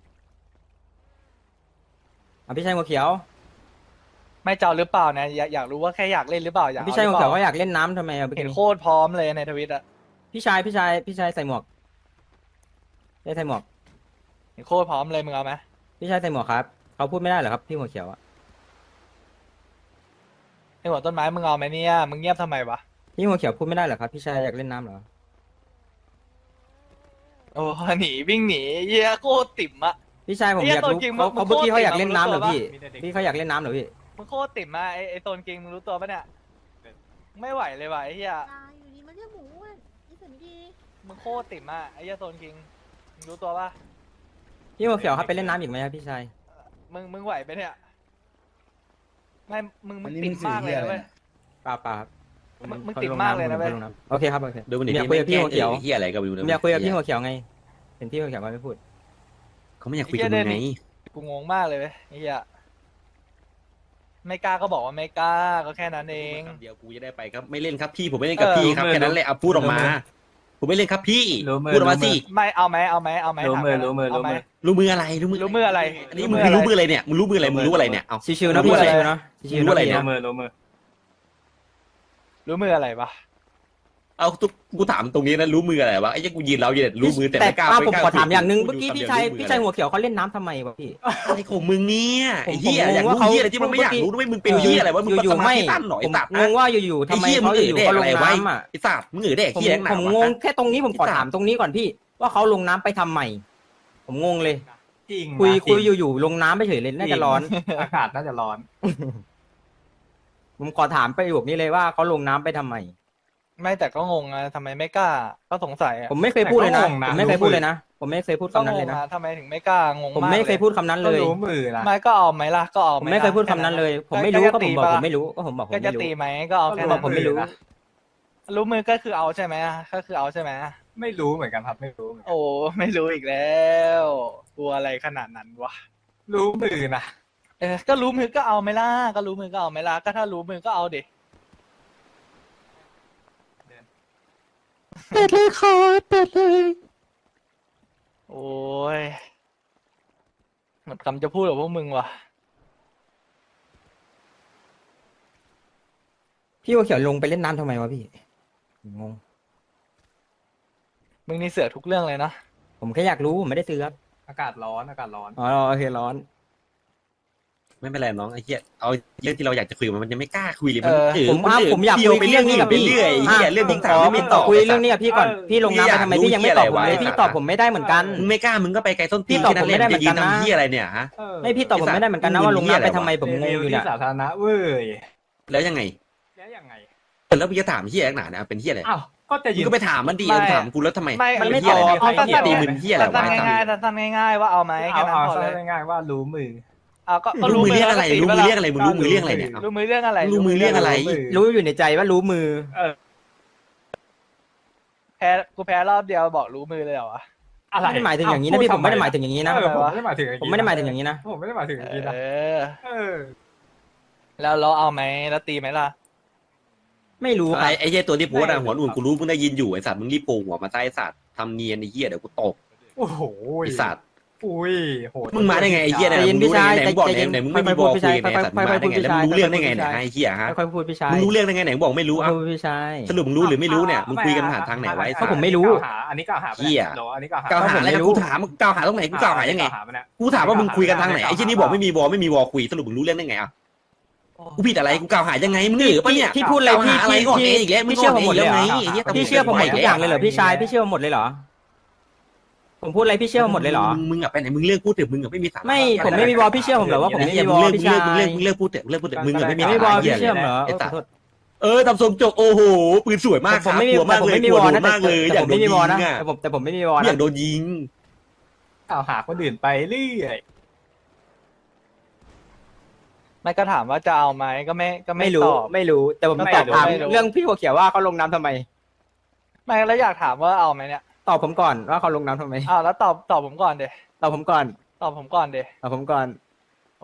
[SPEAKER 6] เอาพี่ชายหัวเขียว
[SPEAKER 3] ไม่เจ้าหรือเปล่าเนี่ยอยากอยากรู้ว่าแค่อยากเล่นหรือเปล่าอยาก
[SPEAKER 6] พี่
[SPEAKER 3] เอา
[SPEAKER 6] ชาย
[SPEAKER 3] ห
[SPEAKER 6] หั
[SPEAKER 3] รื
[SPEAKER 6] ว
[SPEAKER 3] อเป
[SPEAKER 6] เขียว
[SPEAKER 3] ล่า
[SPEAKER 6] เขาอยากเล่นน้ำทำไมอ่ะ
[SPEAKER 3] เห็นโคตรพร้อมเลยในทวิตอะ
[SPEAKER 6] พี่ชายพี่ชายพี่ชายใส่หมวกได้ใส่หมวก
[SPEAKER 3] เห็นโคตรพร้อมเลยมึงเอาไหม
[SPEAKER 6] พี่ชายใส่หมวกครับเขาพูดไม่ได้เหรอครับพี่หัวเขียวอ่ะ
[SPEAKER 3] ไอหัวต้นไม้มึงเอาไหมเนี่ยมึงเงียบทำไมวะ
[SPEAKER 6] พี่หัวเขียวพูดไม่ได้เหรอครับพี่ชายอยากเล่นน้ำเหรอ
[SPEAKER 3] โอ้หนีวิ่งหนีเหี้ยโคตรติ่มอะ
[SPEAKER 6] พี่ชายผม
[SPEAKER 3] เหี้
[SPEAKER 6] อย ยากรู้
[SPEAKER 3] ตัวจริง
[SPEAKER 6] เขา
[SPEAKER 3] มึง
[SPEAKER 6] เขาเมื่อกี้
[SPEAKER 3] โคตร
[SPEAKER 6] เขาอยาก
[SPEAKER 3] เก่ง
[SPEAKER 6] เล่นน้ำเหรอ
[SPEAKER 3] มึงรู้
[SPEAKER 6] พี่
[SPEAKER 3] ตัวปะ
[SPEAKER 6] พี่เขาอยากเล่นน้ำเหรอพี่
[SPEAKER 3] มึงโคตรติ่มอะไอไอโซนกิงมึงรู้ตัวปะเนี่ยไม่ไหวเลยว่ะไอ้เหี้ย
[SPEAKER 5] ตายอยู่ดีมันเรียกหมูอ่ะนี่สันดี
[SPEAKER 3] มึงโคตรติ่มอะไอ้เหี้ยโซนกิงมึงรู้ตัวปะ
[SPEAKER 6] พี่หัวเขียวครับไปเล่นน้ำอีกไหมครับพี่ชาย
[SPEAKER 3] มึงมึงไหวไปะเนี่ยไม่มึงมึ
[SPEAKER 2] อั
[SPEAKER 3] ง
[SPEAKER 2] นนี้
[SPEAKER 3] ติ่ม
[SPEAKER 2] มึงสื่อ
[SPEAKER 3] มากเลย
[SPEAKER 2] เหี้ย
[SPEAKER 3] นะ
[SPEAKER 2] อะไร
[SPEAKER 3] เว้ย
[SPEAKER 2] เนี่ย
[SPEAKER 6] เปล่าเปล่าครับ
[SPEAKER 3] มึงมึงติดมากเลยนะเว้ย
[SPEAKER 6] โอเคครับโอเค
[SPEAKER 1] ดูมันดิ
[SPEAKER 6] ผมอยากคุยกับพี่หัวเขียว
[SPEAKER 1] เฮียอะไรก็ไม่รู้
[SPEAKER 6] ผ
[SPEAKER 1] นะ
[SPEAKER 6] มอยากคุยกับพี่หัวเขียวไงเห็นพี่หัวเขียวมาไม่พูด
[SPEAKER 1] เขาไม่อยากคุยกับมึงไง
[SPEAKER 3] กูงงมากเลยเว้ยไอ้เหี้ยไม่กล้าก็บอกว่าไม่กล้าก็แค่นั้นเอง
[SPEAKER 1] คำเดียวกูจะได้ไปครับไม่เล่นครับพี่ผมไม่เล่นกับพี่ครับ
[SPEAKER 2] เออ
[SPEAKER 1] แค่นั้นแหละเอาพูดออกมา ผมไม่เล่นครับพี่
[SPEAKER 2] รู้มือ
[SPEAKER 1] พูดออกมาสิ
[SPEAKER 3] ไม่เอาไหมเอาไหมเอาไหม
[SPEAKER 2] รู้มือ
[SPEAKER 3] ถา
[SPEAKER 2] รู้มือ
[SPEAKER 3] เาไห
[SPEAKER 2] รู้มือ
[SPEAKER 1] รู้มืออะไรรู้มือ
[SPEAKER 3] รู้มืออะไร
[SPEAKER 1] อันนี้มึงคือรู้มืออะไรเนี่ยมึงรู้มืออะไรมึงรู้อะไรเนี่ยเอา
[SPEAKER 6] ชิวๆนะ
[SPEAKER 1] รู้
[SPEAKER 6] พี่
[SPEAKER 1] อะไร
[SPEAKER 6] ชิวๆนะชิวๆ
[SPEAKER 1] รู้
[SPEAKER 6] นะ
[SPEAKER 1] อะไร
[SPEAKER 6] พี่
[SPEAKER 1] เนี่
[SPEAKER 2] รู้
[SPEAKER 1] ย
[SPEAKER 2] มือรู้มือ
[SPEAKER 3] รู้มืออะไรวะ
[SPEAKER 1] เอาทุกกูถามตรงนี้นะรู้มืออะไรวะไอ้ยังกูยืนเราอยู่เนี่ยรู้มือแต่
[SPEAKER 6] แต่
[SPEAKER 1] ไม่กล้า
[SPEAKER 6] ป้า
[SPEAKER 1] ไม่
[SPEAKER 6] ผม
[SPEAKER 1] กล้า
[SPEAKER 6] ขอถามอย่างหนึ่ง
[SPEAKER 1] พู
[SPEAKER 6] เมื่
[SPEAKER 1] ด
[SPEAKER 6] อกี้
[SPEAKER 1] ยู่
[SPEAKER 6] พี่
[SPEAKER 1] คำ
[SPEAKER 6] ชาย
[SPEAKER 1] เดีว
[SPEAKER 6] พี่ชายหัวเขียวเขาเล่นน้ำทำไมวะพี่
[SPEAKER 1] อะไรของมึงเนี่ยไอ้เหี้ย
[SPEAKER 6] ผม
[SPEAKER 1] อยาก
[SPEAKER 6] งง
[SPEAKER 1] รู้
[SPEAKER 6] ว่าเขา
[SPEAKER 1] เหี้ยอะไรที่มันไม่อยากรู้ด้วยมึงเป็นเหี้ยอะไรวะมึง
[SPEAKER 6] อยู่
[SPEAKER 1] ส
[SPEAKER 6] ๆ
[SPEAKER 1] มา
[SPEAKER 6] ไม่
[SPEAKER 1] ธิสั้นหน่อย
[SPEAKER 6] ผม
[SPEAKER 1] ตัด
[SPEAKER 6] งงว่าอยู่ๆทำไม
[SPEAKER 1] ไอ้เหี้ยมึ
[SPEAKER 6] เขา
[SPEAKER 1] งเอ่ย
[SPEAKER 6] อยู่
[SPEAKER 1] แด
[SPEAKER 6] ๆ
[SPEAKER 1] ก
[SPEAKER 6] เขาล
[SPEAKER 1] อะไร
[SPEAKER 6] ง
[SPEAKER 1] ไว้
[SPEAKER 6] น้ำอ่ะ
[SPEAKER 1] ไอ้สัตว์มึงเอ่ยแดก
[SPEAKER 6] ผม
[SPEAKER 1] เหี้ยหนา
[SPEAKER 6] ผม
[SPEAKER 1] วะ
[SPEAKER 6] งงแค่ตรงนี้ผมขอ
[SPEAKER 1] ไอ้สัตว์
[SPEAKER 6] ถามตรงนี้ก่อนพี่ ว่าเขาลงน้ำไปทำไมผมงงเลย
[SPEAKER 2] จริง
[SPEAKER 6] คุย
[SPEAKER 2] นะ
[SPEAKER 6] คุย
[SPEAKER 2] จริง
[SPEAKER 6] อยู่ๆลงน้ำไปเฉยเลยน่าจะร้อน
[SPEAKER 2] อากาศน่าจะร้อน
[SPEAKER 6] ผมขอถามประโยคนี้เลยว่าเขาลงน้ำไปทำไม
[SPEAKER 3] ไม่แต่ก็งงอะทำไมไม่กล้า ก็สงสัยอะ
[SPEAKER 6] ผมไม่เคยพูดเลยนะ
[SPEAKER 2] แต่ก็งงนะ
[SPEAKER 6] ผมไม่เคยพูดเลยนะ ผมไม่เคยพูด
[SPEAKER 3] ก็
[SPEAKER 6] คำนั้น
[SPEAKER 3] ง
[SPEAKER 6] เลย
[SPEAKER 3] ง
[SPEAKER 6] นะ
[SPEAKER 3] อะทำไมถึงไม่กล้างง
[SPEAKER 6] ผม
[SPEAKER 3] มาก
[SPEAKER 6] ไม่เคย
[SPEAKER 3] ล
[SPEAKER 6] พูดคำนั้น
[SPEAKER 2] ก็
[SPEAKER 6] เลย
[SPEAKER 2] รู้มือนะ
[SPEAKER 3] ไม่ก็เอาไหมล่ะก็เอาไห
[SPEAKER 6] ผมไม่เคยพูดคำนั้นเลย ผมไม่รู้ก็ผมบอกผมไม่รู้ก็ผมบอกผม
[SPEAKER 3] ก็จะ
[SPEAKER 6] ไม่รู้
[SPEAKER 3] ตีไหมก็เอาแค่
[SPEAKER 6] บอ
[SPEAKER 3] นั้
[SPEAKER 6] ก
[SPEAKER 3] น
[SPEAKER 6] ผมไม่รู้
[SPEAKER 2] นะ
[SPEAKER 3] รู้มือก็คือเอาใช่ไหมก็คือเอาใช่ไหม
[SPEAKER 2] ไม่รู้เหมือนกันครับไม่รู้เหมือนกัน
[SPEAKER 3] โอ้ไม่รู้อีกแล้วกลัวอะไรขนาดนั้นวะ
[SPEAKER 2] รู้มือนะ
[SPEAKER 3] เออก็รู้มือก็เอาไหมล่ะก็รู้มือก็เอาไหมล่ะก็ถ้ารู้มือก็เอาดิเป็ดเลยคอเป็ดเลยโอ้ยหมดคำจะพูดกับพวกมึงว่ะ
[SPEAKER 6] พี่หัวเขียวลงไปเล่นน้ำทำไมวะพี่งง
[SPEAKER 3] มึงนี่เสือกทุกเรื่องเลยนะ
[SPEAKER 6] ผมแค่อยากรู้ผมไม่ได้ซื้อครับ
[SPEAKER 2] อากาศร้อนอากาศร้อน
[SPEAKER 6] อ๋อโอเคร้อน
[SPEAKER 1] ไม่เป็นไรน้องไอ้เหี้ยเอาเรื่องที่เราอยากจะคุยมันยังไม่กล้าคุยเลย
[SPEAKER 3] เออ
[SPEAKER 1] เออ
[SPEAKER 6] ผมอ่ะ
[SPEAKER 1] น
[SPEAKER 6] ผมอยาก
[SPEAKER 1] เที่ว
[SPEAKER 6] คุยเรื่องนี้กับพี่
[SPEAKER 1] ไปเรื่อยๆไอ้เหี้ยเรื่อง
[SPEAKER 6] ผ
[SPEAKER 1] ที่
[SPEAKER 6] ม
[SPEAKER 1] ถาม
[SPEAKER 6] ขอ
[SPEAKER 1] ไม่
[SPEAKER 6] ผม
[SPEAKER 1] ต
[SPEAKER 6] ข
[SPEAKER 1] อ
[SPEAKER 6] อบ คุยเรื่องนี้กับพี่ก่อน
[SPEAKER 2] เออ
[SPEAKER 6] พี่ลงน้ำไปทำไม
[SPEAKER 1] พี่
[SPEAKER 6] พี่
[SPEAKER 1] อยาก
[SPEAKER 6] ยังไม่ตอบผม
[SPEAKER 1] รู้
[SPEAKER 6] เลย
[SPEAKER 1] เหี้ยอะไรวะ
[SPEAKER 6] พี่ตอบผมไม่ได้เหมือนกัน
[SPEAKER 1] มึงไม่กล้ามึงก็ไปไกลต้นตี
[SPEAKER 6] พี่ตอบผมไม่ได้เหมือนกันนะ
[SPEAKER 1] จะยืทำเหี้ยอะไรเนี่ยฮะ
[SPEAKER 2] เออ
[SPEAKER 6] ไม่พี่ตอบผมไม่ได้เหมือนกันนะว่าลงน้ำไปทำไมผมงง
[SPEAKER 2] รี
[SPEAKER 6] อ
[SPEAKER 2] วิว
[SPEAKER 6] ยู่
[SPEAKER 2] ที่
[SPEAKER 6] เนี่ย
[SPEAKER 2] สาธารณะเว้ย
[SPEAKER 1] แล้วยังไง
[SPEAKER 2] แล้วยังไง
[SPEAKER 1] แล้วมึงจะถามเหี้ยนักหนาเนี่ยเป็นเหี้ยอะไร
[SPEAKER 2] อ้าวก็จะ
[SPEAKER 1] มึ
[SPEAKER 2] ยื
[SPEAKER 1] ง
[SPEAKER 2] น
[SPEAKER 1] ก็ไปถามมันดี
[SPEAKER 3] ไม่
[SPEAKER 1] ถามกูแล้วทำไม
[SPEAKER 3] ไม่
[SPEAKER 6] มันไม่
[SPEAKER 1] เหี้ยอะไร
[SPEAKER 6] ตอบ
[SPEAKER 1] เนี่ย
[SPEAKER 3] เอาสั้นๆ
[SPEAKER 1] ตีมึงเหี้ยอะไรวะ
[SPEAKER 3] สั้นๆง่ายๆสั้นๆง่ายๆว่าเอาไหมแค่
[SPEAKER 2] เอา
[SPEAKER 3] นั้น
[SPEAKER 2] เอา
[SPEAKER 3] พอ
[SPEAKER 2] ซะ
[SPEAKER 3] เลย
[SPEAKER 2] ง่ายๆว่ารู้มือ
[SPEAKER 3] เอาก็ก็
[SPEAKER 1] รู้มือเรื่อง
[SPEAKER 3] แล้ว
[SPEAKER 1] อะไร
[SPEAKER 3] ก็ตี
[SPEAKER 1] รู้
[SPEAKER 3] ป
[SPEAKER 1] มือ
[SPEAKER 3] ละ
[SPEAKER 1] เรื่องอะไรมึงรู้มือเรื่องอะไรเนี่ย
[SPEAKER 3] รู้มือเรื่องอะไร
[SPEAKER 1] รู้มือเรื่องอะไร
[SPEAKER 6] รู้อยู่ในใจว่ารู้มือ
[SPEAKER 2] เออ
[SPEAKER 3] แพ้กูแพ้รอบเดียวบอกรู้มือเลยเหรอวะ
[SPEAKER 2] อะไร
[SPEAKER 6] ไม่ได้หมายถึงอย่างนี้นะพี่ผมไม่ได้หมายถึงอย่างนี้นะ
[SPEAKER 2] เออผมไม่ได้หมายถึงอย่าง
[SPEAKER 6] ผม
[SPEAKER 2] นี้
[SPEAKER 6] ไม่ได้หมายถึงอย่างนี้นะ
[SPEAKER 2] ผมไม่ได้หมายถึงอย่างนี้นะ
[SPEAKER 3] เออ
[SPEAKER 2] เออ
[SPEAKER 3] แล้วเราเอาไหมแล้วตีไหมล่ะ
[SPEAKER 6] ไม่รู้ค
[SPEAKER 1] ไอ้
[SPEAKER 6] รับ
[SPEAKER 1] ไอ้เหี้ยตัวที่โพสต์อะหัวอุ่นกูรู้มึงได้ยินอยู่ไอ้สัตว์มึงรีบโผล่หัวมาใต้ไอ้สัตว์ทำเนียนไอ้เหี้ยเดี๋ยวกูตก
[SPEAKER 2] โอ้โห
[SPEAKER 1] ไอ้สัตว์
[SPEAKER 2] อุ้ยโหด
[SPEAKER 1] มึงมาได้ไงไอ้เหี้ย
[SPEAKER 6] ใจ
[SPEAKER 1] เนี่ย
[SPEAKER 6] เย็น
[SPEAKER 1] มึงรู้ได้ไงไหน
[SPEAKER 6] พี่
[SPEAKER 1] มึงบอก
[SPEAKER 6] ชาย
[SPEAKER 1] ไหนไหนมึงไม่
[SPEAKER 6] ค่
[SPEAKER 1] มี
[SPEAKER 6] อยๆ
[SPEAKER 1] บอก
[SPEAKER 6] พูดพี่
[SPEAKER 1] คุ
[SPEAKER 6] ชาย
[SPEAKER 1] ยไหนสัตว์มึงมาได้ไงแล้วมึงรู้เรื่องได้ไงเนี่ยไอ้เหี้ยฮะ
[SPEAKER 6] ค่อยๆพูดพี่ชาย
[SPEAKER 1] มึงรู้เรื่องได้ไงไหนมึงบอกไม่รู้อ่ะ
[SPEAKER 6] ค่อยๆพูดพี่ชาย
[SPEAKER 1] สรุปมึงรู้หรือไม่รู้เนี่ยมึงคุยกันผ่านทางไหนไว้
[SPEAKER 6] ก็ผมไม่รู้
[SPEAKER 2] อันนี้กล่าวหา
[SPEAKER 1] เหี้ย
[SPEAKER 2] เหรออันนี้กล่าวหา
[SPEAKER 1] กล่าวหาอะไรกันกูถามมึงกล่าวหาตรงไหนกูกล่าวหายังไง กูถามว่ามึงคุยกันทางไหนไอ้ที่นี่บอกไม่มีวอไม่มีวอคุยสรุปมึงรู้เรื่องได้ไงอ่ะกูผิดอะไรกูกล่าวหายังไงมึงเหนือปะเนี่ย
[SPEAKER 6] พี่พูดอะไร
[SPEAKER 1] กล่าว
[SPEAKER 6] พี่
[SPEAKER 1] หาอะไร
[SPEAKER 6] พี่
[SPEAKER 1] ก่อน
[SPEAKER 6] พี่
[SPEAKER 1] เองอีกแล้วมึง
[SPEAKER 6] พี่เชื่อผมหมดเลยเหรอ
[SPEAKER 1] ก่อนเองอีกแล้วไงไอ้เหี้ย
[SPEAKER 6] พี่เชื่อผมหมดทุกอย่างเลยเหรอพี่ชายพี่เชื่อผมหมดเลยเหรอผมพูดอะไรพี่เชื่อหมดเลยเหรอ
[SPEAKER 1] มึงมึงอะไปไหนมึงเลิกพูดเถอะมึงอะไม่มีสาระ
[SPEAKER 6] ไม่ผมไม่มีวอลพี่เชื่อผมเหรอว่าผมไม่มีวอล
[SPEAKER 1] มึง
[SPEAKER 6] พี่
[SPEAKER 1] เลิ
[SPEAKER 6] ชาก
[SPEAKER 1] มึงเลิก
[SPEAKER 6] ย
[SPEAKER 1] มึงเลิกมึงเลิกพูดเถอะมึงเลิกพูดเถอะมึงอะไม่มี
[SPEAKER 6] ไม่
[SPEAKER 1] สา
[SPEAKER 6] มี
[SPEAKER 1] ระ
[SPEAKER 6] วอล
[SPEAKER 1] เหี้
[SPEAKER 6] พี่
[SPEAKER 1] ย
[SPEAKER 6] เชื่อมเหรอ
[SPEAKER 1] ไอ้
[SPEAKER 6] เออ
[SPEAKER 1] สั
[SPEAKER 6] ข
[SPEAKER 1] ต
[SPEAKER 6] อ
[SPEAKER 1] ว์
[SPEAKER 6] โทษ
[SPEAKER 1] เออทำทรงจกโอ้โหปืนสวยมาก
[SPEAKER 6] แต่
[SPEAKER 1] ค
[SPEAKER 6] ผ
[SPEAKER 1] รับ
[SPEAKER 6] มไม่มี
[SPEAKER 1] กลัวมาก
[SPEAKER 6] แต่ผม
[SPEAKER 1] เลย
[SPEAKER 6] ไม่มี
[SPEAKER 1] กลัว
[SPEAKER 6] วอล
[SPEAKER 1] โด
[SPEAKER 6] นะ
[SPEAKER 1] น
[SPEAKER 6] แต่
[SPEAKER 1] มากเลย
[SPEAKER 6] แต่
[SPEAKER 1] อยาก
[SPEAKER 6] ผม
[SPEAKER 1] โด
[SPEAKER 6] ไม่
[SPEAKER 1] น
[SPEAKER 6] มีวอล
[SPEAKER 1] ยิง
[SPEAKER 6] นะ
[SPEAKER 1] อะ
[SPEAKER 6] แต่ผมแต่ผมไม่มีวอล
[SPEAKER 1] อ
[SPEAKER 6] นะ
[SPEAKER 1] ยากโดนยิง
[SPEAKER 2] กล่าวหาคนอื่นไปเรื่อย
[SPEAKER 3] ไม่ก็ถามว่าจะเอาไหมก็ไม่ก็ไม่
[SPEAKER 6] ไม่รู้
[SPEAKER 3] ตอบ
[SPEAKER 6] ไม่รู้แต่ผม
[SPEAKER 3] ก็
[SPEAKER 6] ต
[SPEAKER 3] ต
[SPEAKER 6] อ
[SPEAKER 3] อ
[SPEAKER 6] บบ ถาม
[SPEAKER 3] ไม่รู้
[SPEAKER 6] เรื่องพี่หัวเขียวว่าเขาลงน้ำทำไม
[SPEAKER 3] ไม่แล้วอยากถามว่าเอาไหมเนี่ย
[SPEAKER 6] ตอบผมก่อนว่าเขาลงน้ำทำไม
[SPEAKER 3] อ้าวแล้วตอบตอบผมก่อนเด
[SPEAKER 6] ตอบผมก่อน
[SPEAKER 3] ตอบผมก่อนเด
[SPEAKER 6] ตอบผมก่อน
[SPEAKER 3] โอ้